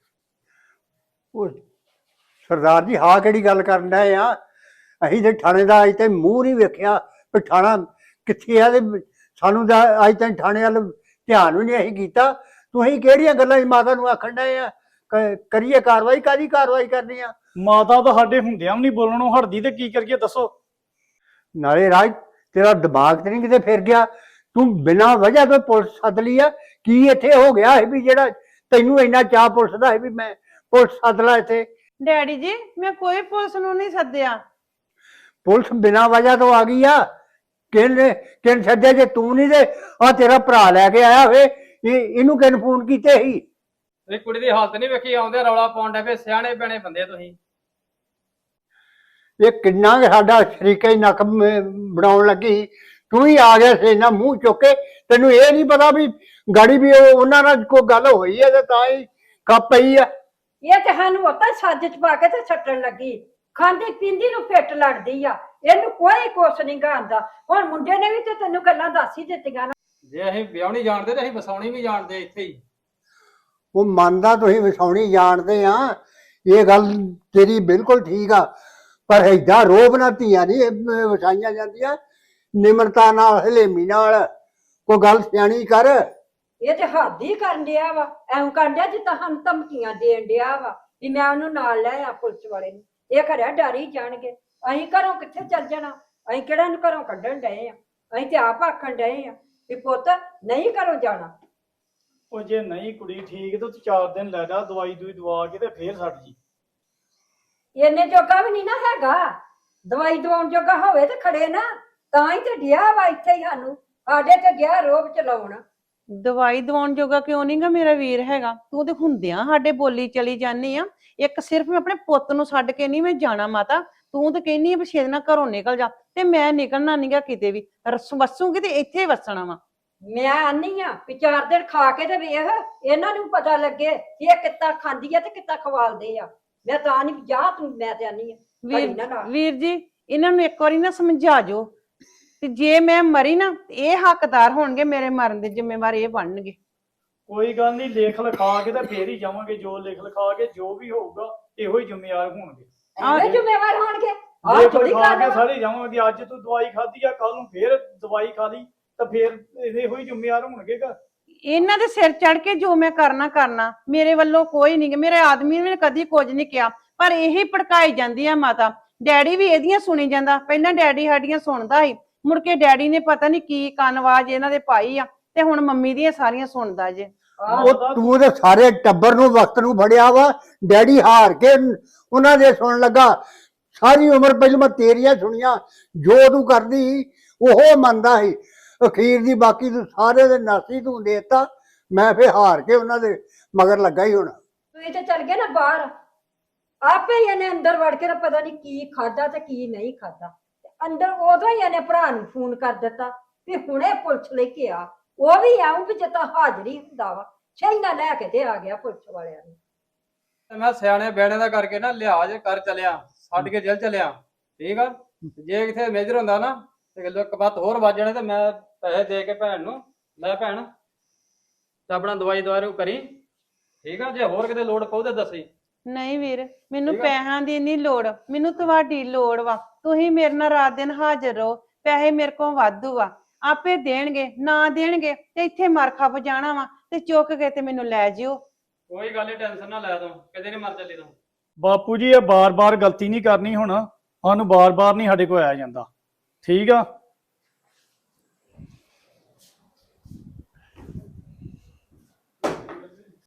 S1: ਉਹ ਸਰਦਾਰ ਜੀ, ਹਾਂ ਕਿਹੜੀ ਗੱਲ ਕਰਨ ਡਏ ਆ? ਅਸੀਂ ਤੇ ਥਾਣੇ ਦਾ ਅਜ ਤੇ ਮੂੰਹ ਨਹੀਂ ਵੇਖਿਆ ਵੀ ਥਾਣਾ ਕਿੱਥੇ ਆ, ਤੇ ਸਾਨੂੰ ਤਾਂ ਅਜ ਤੱਕ ਥਾਣੇ ਵੱਲ ਧਿਆਨ ਵੀ ਨਹੀਂ ਅਸੀਂ ਕੀਤਾ। ਤੁਸੀਂ ਕਿਹੜੀਆਂ ਗੱਲਾਂ ਮਾਤਾ ਨੂੰ ਆਖਣ ਡਏ ਆ ਕ- ਕਰੀਏ ਕਾਰਵਾਈ? ਕਾਹਦੀ ਕਾਰਵਾਈ ਕਰਨੀ ਆ?
S6: ਮਾਤਾ ਤਾਂ ਸਾਡੇ ਹੁੰਦਿਆਂ ਵੀ ਨਹੀਂ ਬੋਲਣੋਂ ਹਟਦੀ, ਤੇ ਕੀ ਕਰੀਏ ਦੱਸੋ?
S1: ਨਾਲੇ ਰਾਜ, ਤੇਰਾ ਦਿਮਾਗ ਤੇ ਨਹੀਂ ਕਿਤੇ ਫਿਰ ਗਿਆ? ਤੂੰ ਬਿਨਾਂ ਵਜ੍ਹਾ ਤੋਂ ਪੁਲਿਸ ਸੱਦ ਲਈ ਆ। ਕੀ ਇੱਥੇ ਹੋ ਗਿਆ ਹੈ ਵੀ ਜਿਹੜਾ ਤੈਨੂੰ ਇੰਨਾ ਚਾਅ ਪੁਲਿਸ ਦਾ ਹੈ ਵੀ ਮੈਂ ਪੁਲਿਸ ਸੱਦ ਲਾ ਇੱਥੇ?
S7: ਡੈਡੀ ਜੀ ਮੈਂ ਕੋਈ ਪੁਲਿਸ ਨੂੰ ਨਹੀਂ ਸੱਦਿਆ।
S1: ਪੁਲਿਸ ਬਿਨਾਂ ਵਜ੍ਹਾ ਤੋਂ ਆ ਗਈ ਆ। ਕਿਹਨੇ ਕਿਹਨ ਸੱਦਿਆ? ਜੇ ਤੂੰ ਨਹੀਂ ਤੇ ਆ ਤੇਰਾ ਭਰਾ ਲੈ ਕੇ ਆਇਆ ਹੋਵੇ, ਇਹ ਇਹਨੂੰ ਕਿਹਨ ਫੋਨ ਕੀਤੇ ਸੀ?
S5: ਇਹ ਕੁੜੀ ਦੀ ਹਾਲਤ ਨਹੀਂ ਵੇਖੀ, ਆਉਂਦੇ ਰੌਲਾ ਪਾਉਣ ਡੇ ਪਏ, ਸਿਆਣੇ ਪੈਣੇ ਬੰਦੇ ਤੁਸੀਂ।
S1: ਇਹ ਕਿੰਨਾ ਕੁ ਸਾਡਾ ਸ਼ਰੀਕਾ ਹੀ ਨੱਕ ਮ- ਬਣਾਉਣ ਲੱਗੀ, ਤੂੰ ਹੀ ਆ ਗਿਆ ਸੀ ਨਾ ਮੂੰਹ ਚੁੱਕ ਕੇ। ਤੈਨੂੰ ਇਹ ਨਹੀਂ ਪਤਾ ਵੀ ਗਾੜੀ ਵੀ ਉਹ ਉਹਨਾਂ ਨਾਲ ਕੋਈ ਗੱਲ ਹੋਈ ਹੈ ਤੇ ਤਾਂ ਹੀ ਕੱਪ ਪਈ ਆ।
S3: ਇਹ ਤੇ ਸਾਨੂੰ ਉਤਾਂ ਸੱਜ ਚ ਪਾ ਕੇ ਤੇ ਛੱਟਣ ਲੱਗੀ, ਖਾਂਦੀ ਪੀਂਦੀ ਨੂੰ ਫਿੱਟ ਲੜਦੀ ਆ। ਇਹਨੂੰ ਕੋਈ ਕੁਛ ਨਹੀਂ ਗਾਂਦਾ। ਹੁਣ ਮੁੰਡੇ ਨੇ ਵੀ ਤੇ ਤੈਨੂੰ ਗੱਲਾਂ ਦੱਸ ਹੀ ਦਿੱਤੀਆਂ ਨਾ।
S5: ਜੇ ਅਸੀਂ ਵਿਆਹਣੀ ਜਾਣਦੇ ਤੇ ਅਸੀਂ ਵਸਾਉਣੀ ਵੀ ਜਾਣਦੇ ਇੱਥੇ ਹੀ।
S1: ਉਹ ਮੰਨਦਾ ਤੁਸੀਂ ਵਸਾਉਣੀ ਜਾਣਦੇ ਆ, ਇਹ ਗੱਲ ਤੇਰੀ ਬਿਲਕੁਲ ਠੀਕ ਆ, ਪਰ ਏਦਾਂ ਰੋਬ ਨਾ ਧੀਆਂ ਨਹੀਂ ਵਸਾਈਆਂ ਜਾਂਦੀਆਂ। ਨਿਮਰਤਾ ਨਾਲ, ਹਲੇਮੀ ਨਾਲ ਕੋਈ ਗੱਲ ਸਿਆਣੀ ਕਰ।
S3: ਇਹ ਤੇ ਹੱਦ ਹੀ ਕਰਨ ਡਿਆ ਵਾ, ਐਂ ਕਰਨ ਡਿਆ ਜਿੱਦਾਂ ਸਾਨੂੰ ਧਮਕੀਆਂ ਦੇਣ ਡਿਆ ਵਾ ਵੀ ਮੈਂ ਉਹਨੂੰ ਨਾਲ ਲੈ ਆ ਪੁਲਿਸ ਵਾਲੇ ਨੂੰ। ਇਹ ਖਰਿਆ ਡਰ ਹੀ ਜਾਣਗੇ। ਅਸੀਂ ਘਰੋਂ ਕਿੱਥੇ ਚੱਲ ਜਾਣਾ? ਅਸੀਂ ਕਿਹੜਾ ਨੂੰ ਘਰੋਂ ਕੱਢਣ ਡਏ ਆ? ਅਸੀਂ ਤੇ ਆਪ ਆਖਣ ਡਏ ਆ ਵੀ ਪੁੱਤ ਨਹੀਂ ਘਰੋਂ ਜਾਣਾ।
S6: ਉਹ ਜੇ ਨਹੀਂ ਕੁੜੀ ਠੀਕ ਤੇ ਤੂੰ ਚਾਰ ਦਿਨ ਲੈ ਜਾ, ਦਵਾਈ ਦੂਈ ਦਵਾ ਕੇ ਤੇ ਫੇਰ ਛੱਡ ਜੀ।
S3: ਇੰਨੇ ਜੋਗਾ ਵੀ ਨਹੀਂ ਨਾ ਹੈਗਾ, ਦਵਾਈ ਦਵਾਉਣ ਜੋਗਾ ਹੋਵੇ ਤੇ ਖੜੇ ਨਾ, ਤਾਂ ਹੀ ਤੇ ਡਿਆ ਵਾ ਇੱਥੇ ਹੀ ਸਾਨੂੰ, ਸਾਡੇ ਤੇ ਗਿਆ ਰੋਬ ਚਲਾਉਣ।
S7: ਦਵਾਈ ਦਵਾਉਣ ਜੋਗਾ ਕਿਉਂ ਨਹੀਂਗਾ ਮੇਰਾ ਵੀਰ ਹੈਗਾ? ਤੂੰ ਤੇ ਹੁੰਦਿਆਂ ਸਾਡੇ ਬੋਲੀ ਚਲੀ ਜਾਨੀ ਆ। ਇੱਕ ਸਿਰਫ ਮੈਂ ਆਪਣੇ ਪੁੱਤ ਨੂੰ ਛੱਡ ਕੇ ਨਹੀਂ ਮੈਂ ਜਾਣਾ ਮਾਤਾ। ਤੂੰ ਤੇ ਕਹਿੰਨੀ ਆ ਵੀ ਛੇਦ ਨਾਲ ਘਰੋਂ ਨਿਕਲ ਜਾ, ਤੇ ਮੈਂ ਨਿਕਲਣਾ ਨਹੀਂਗਾ ਕਿਤੇ ਵੀ। ਰਸ ਵਸੂਗੀ ਤੇ ਇੱਥੇ ਵਸਣਾ ਵਾ।
S3: ਮੈਂ ਆਨੀ ਆ ਵੀ ਚਾਰ ਦਿਨ ਖਾ ਕੇ ਤੇ ਵੇਖ, ਇਹਨਾਂ ਨੂੰ ਪਤਾ ਲੱਗੇ ਕਿ ਇਹ ਕਿੱਦਾਂ ਖਾਂਦੀ ਆ ਤੇ ਕਿੱਦਾਂ ਖਵਾਲਦੇ ਆ। ਮੈਂ ਤਾਂ ਨਹੀਂ ਜਾ, ਤੂੰ ਮੈਂ ਤੇ ਆਨੀ ਆ
S7: ਵੀਰ ਵੀਰ ਜੀ ਇਹਨਾਂ ਨੂੰ ਇੱਕ ਵਾਰੀ ਨਾ ਸਮਝਾ ਜੋ, ਤੇ ਜੇ ਮੈਂ ਮਰੀ ਨਾ ਇਹ ਹੱਕਦਾਰ ਹੋਣਗੇ, ਮੇਰੇ ਮਰਨ ਦੇ ਜ਼ਿੰਮੇਵਾਰ ਇਹ ਬਣਨਗੇ।
S6: ਕੋਈ ਗੱਲ ਨਹੀਂ, ਲਿਖ ਲਿਖਾ ਕੇ ਤੇ ਫੇਰ ਹੀ ਜਾਵਾਂਗੇ। ਜੋ ਲਿਖ ਲਿਖਾ ਕੇ ਜੋ ਵੀ ਹੋਊਗਾ ਇਹੋ ਹੀ ਜ਼ਿੰਮੇਵਾਰ ਹੋਣਗੇ।
S3: ਆਹ ਜ਼ਿੰਮੇਵਾਰ ਹੋਣਗੇ। ਆਹ
S6: ਲਿਖ
S3: ਥੋੜੀ
S6: ਲਿਖਾ
S3: ਗੱਲ
S6: ਕੇ
S3: ਵਾ।
S6: ਸਾਰੇ ਜਾਵਾਂਗੇ। ਅੱਜ ਤੂੰ ਦਵਾਈ ਖਾਧੀ ਆ, ਕੱਲ ਨੂੰ ਫੇਰ ਦਵਾਈ ਖਾ ਲਈ ਤਾਂ ਫੇਰ ਇਹੋ ਹੀ ਜ਼ਿੰਮੇਵਾਰ ਹੋਣਗੇ ਘਰ।
S7: ਇਹਨਾਂ ਦੇ ਸਿਰ ਚੜ ਕੇ ਜੋ ਮੈਂ ਕਰਨਾ ਕਰਨਾ, ਮੇਰੇ ਵੱਲੋਂ ਕੋਈ ਨਹੀਂ, ਮੇਰੇ ਆਦਮੀ ਨੇ ਕਦੀ ਕੁਝ ਨਹੀਂ ਕਿਹਾ, ਪਰ ਇਹੀ ਭੜਕਾਈ ਜਾਂਦੀ ਆ ਮਾਤਾ। ਡੈਡੀ ਵੀ ਇਹਦੀਆਂ ਸੁਣੀ ਜਾਂਦਾ, ਪਹਿਲਾਂ ਡੈਡੀ ਸਾਡੀਆਂ ਸੁਣਦਾ ਸੀ, ਮੁੜ ਕੇ ਡੈਡੀ ਨੇ ਪਤਾ ਨਹੀਂ ਕੀ ਕੰਨਵਾਜ ਇਹਨਾਂ ਦੇ ਪਾਈ ਆ, ਤੇ ਹੁਣ ਮੰਮੀ ਦੀਆਂ ਸਾਰੀਆਂ ਸੁਣਦਾ ਜੇ।
S1: ਉਹ ਤੂੰ ਤੇ ਸਾਰੇ ਟੱਬਰ ਨੂੰ ਵਕਤ ਨੂੰ ਫੜਿਆ ਵਾ। ਡੈਡੀ ਹਾਰ ਕੇ ਉਹਨਾਂ ਦੇ ਸੁਣਨ ਲੱਗਾ। ਸਾਰੀ ਉਮਰ ਪਹਿਲਾਂ ਮੈਂ ਤੇਰੀਆਂ ਸੁਣੀਆਂ, ਜੋ ਤੂੰ ਕਰਦੀ ਉਹ ਮੰਨਦਾ ਸੀ। ਅਖੀਰ ਦੀ ਬਾਕੀ ਤੂੰ ਸਾਰੇ ਦੇ ਨਾਸੀ ਤੂੰ ਦੇਤਾ। ਮੈਂ ਫੇਰ ਹਾਰ ਕੇ ਉਹਨਾਂ ਦੇ ਮਗਰ ਲੱਗਾ ਹੀ। ਹੁਣ
S3: ਤੁਸੀਂ ਤੇ ਚਲ ਗਏ ਨਾ ਬਾਹਰ, ਆਪੇ ਹੀ ਇਹਨੇ ਅੰਦਰ ਵੜ ਕੇ ਨਾ ਪਤਾ ਨਹੀਂ ਕੀ ਖਾਦਾ ਤੇ ਕੀ ਨਹੀਂ ਖਾਦਾ। ਅੰਦਰ ਉਦੋਂ ਹੀ ਇਹਨੇ ਭਰਾ ਨੂੰ ਫੋਨ ਕਰ ਦਿੱਤਾ ਵੀ ਹੁਣੇ ਪੁਲਿਸ ਲੈ ਕੇ ਆ। ਉਹ ਵੀ ਆਉਂ ਵੀ ਜਿੱਦਾਂ ਹਾਜ਼ਰੀ ਹੁੰਦਾ ਵਾ, ਸ਼ੈਨਾ ਲੈ ਕੇ ਤੇ ਆ ਗਿਆ ਪੁਲਿਸ ਵਾਲਿਆਂ ਨੂੰ।
S5: ਤੇ ਮੈਂ ਸਿਆਣੇ ਬੈਣੇ ਦਾ ਕਰਕੇ ਨਾ ਲਿਹਾਜ਼ ਕਰ ਚਲਿਆ, ਛੱਡ ਕੇ ਜੇਲ੍ਹ ਚਲਿਆ, ਠੀਕ ਆ? ਜੇ ਕਿਥੇ ਮੇਜਰ ਹੁੰਦਾ ਨਾ ਤੇ ਇੱਕ ਬਾਤ ਹੋਰ ਵੱਜ ਜਾਣੇ, ਤੇ ਮੈਂ ਪੈਸੇ ਦੇ ਕੇ ਭੈਣ ਨੂੰ, ਲੈ ਭੈਣ ਤੇ ਆਪਣਾ ਦਵਾਈ ਦਵਾਰੂ ਕਰੀ, ਠੀਕ ਆ? ਜੇ ਹੋਰ ਕਿਤੇ ਲੋੜ ਪਊ ਤੇ ਦੱਸੀ।
S7: ਨਹੀਂ ਵੀਰ, ਮੈਨੂੰ
S5: ਠੀਕ ਆ।
S7: ਪੈਸਿਆਂ ਦੀ ਨਹੀਂ ਲੋੜ, ਮੈਨੂੰ ਤੁਹਾਡੀ ਲੋੜ ਵਾ। ਤੁਸੀਂ ਮੇਰੇ ਨਾਲ ਰਾਤ ਦਿਨ ਹਾਜ਼ਰ ਰਹੋ। ਪੈਸੇ ਮੇਰੇ ਕੋਲ ਵਾਧੂ ਆ, ਆਪੇ ਦੇਣਗੇ, ਨਾ ਦੇਣਗੇ ਤੇ ਇੱਥੇ ਮਰ ਖੱਪ ਜਾਣਾ ਵਾ, ਤੇ ਚੁੱਕ ਕੇ ਤੇ ਮੈਨੂੰ ਲੈ ਜਿਓ।
S5: ਕੋਈ ਗੱਲ ਨਹੀਂ, ਟੈਨਸ਼ਨ ਨਾ ਲੈ ਤੂੰ, ਕਿਤੇ ਨਹੀਂ ਮਰ ਚੱਲੀ ਤੂੰ।
S6: ਬਾਪੂ ਜੀ ਇਹ ਬਾਰ-ਬਾਰ ਗਲਤੀ ਨਹੀਂ ਕਰਨੀ। ਹੁਣ ਸਾਨੂੰ ਬਾਰ-ਬਾਰ ਨਹੀਂ ਸਾਡੇ ਕੋਲ ਆਇਆ ਜਾਂਦਾ, ਠੀਕ ਆ?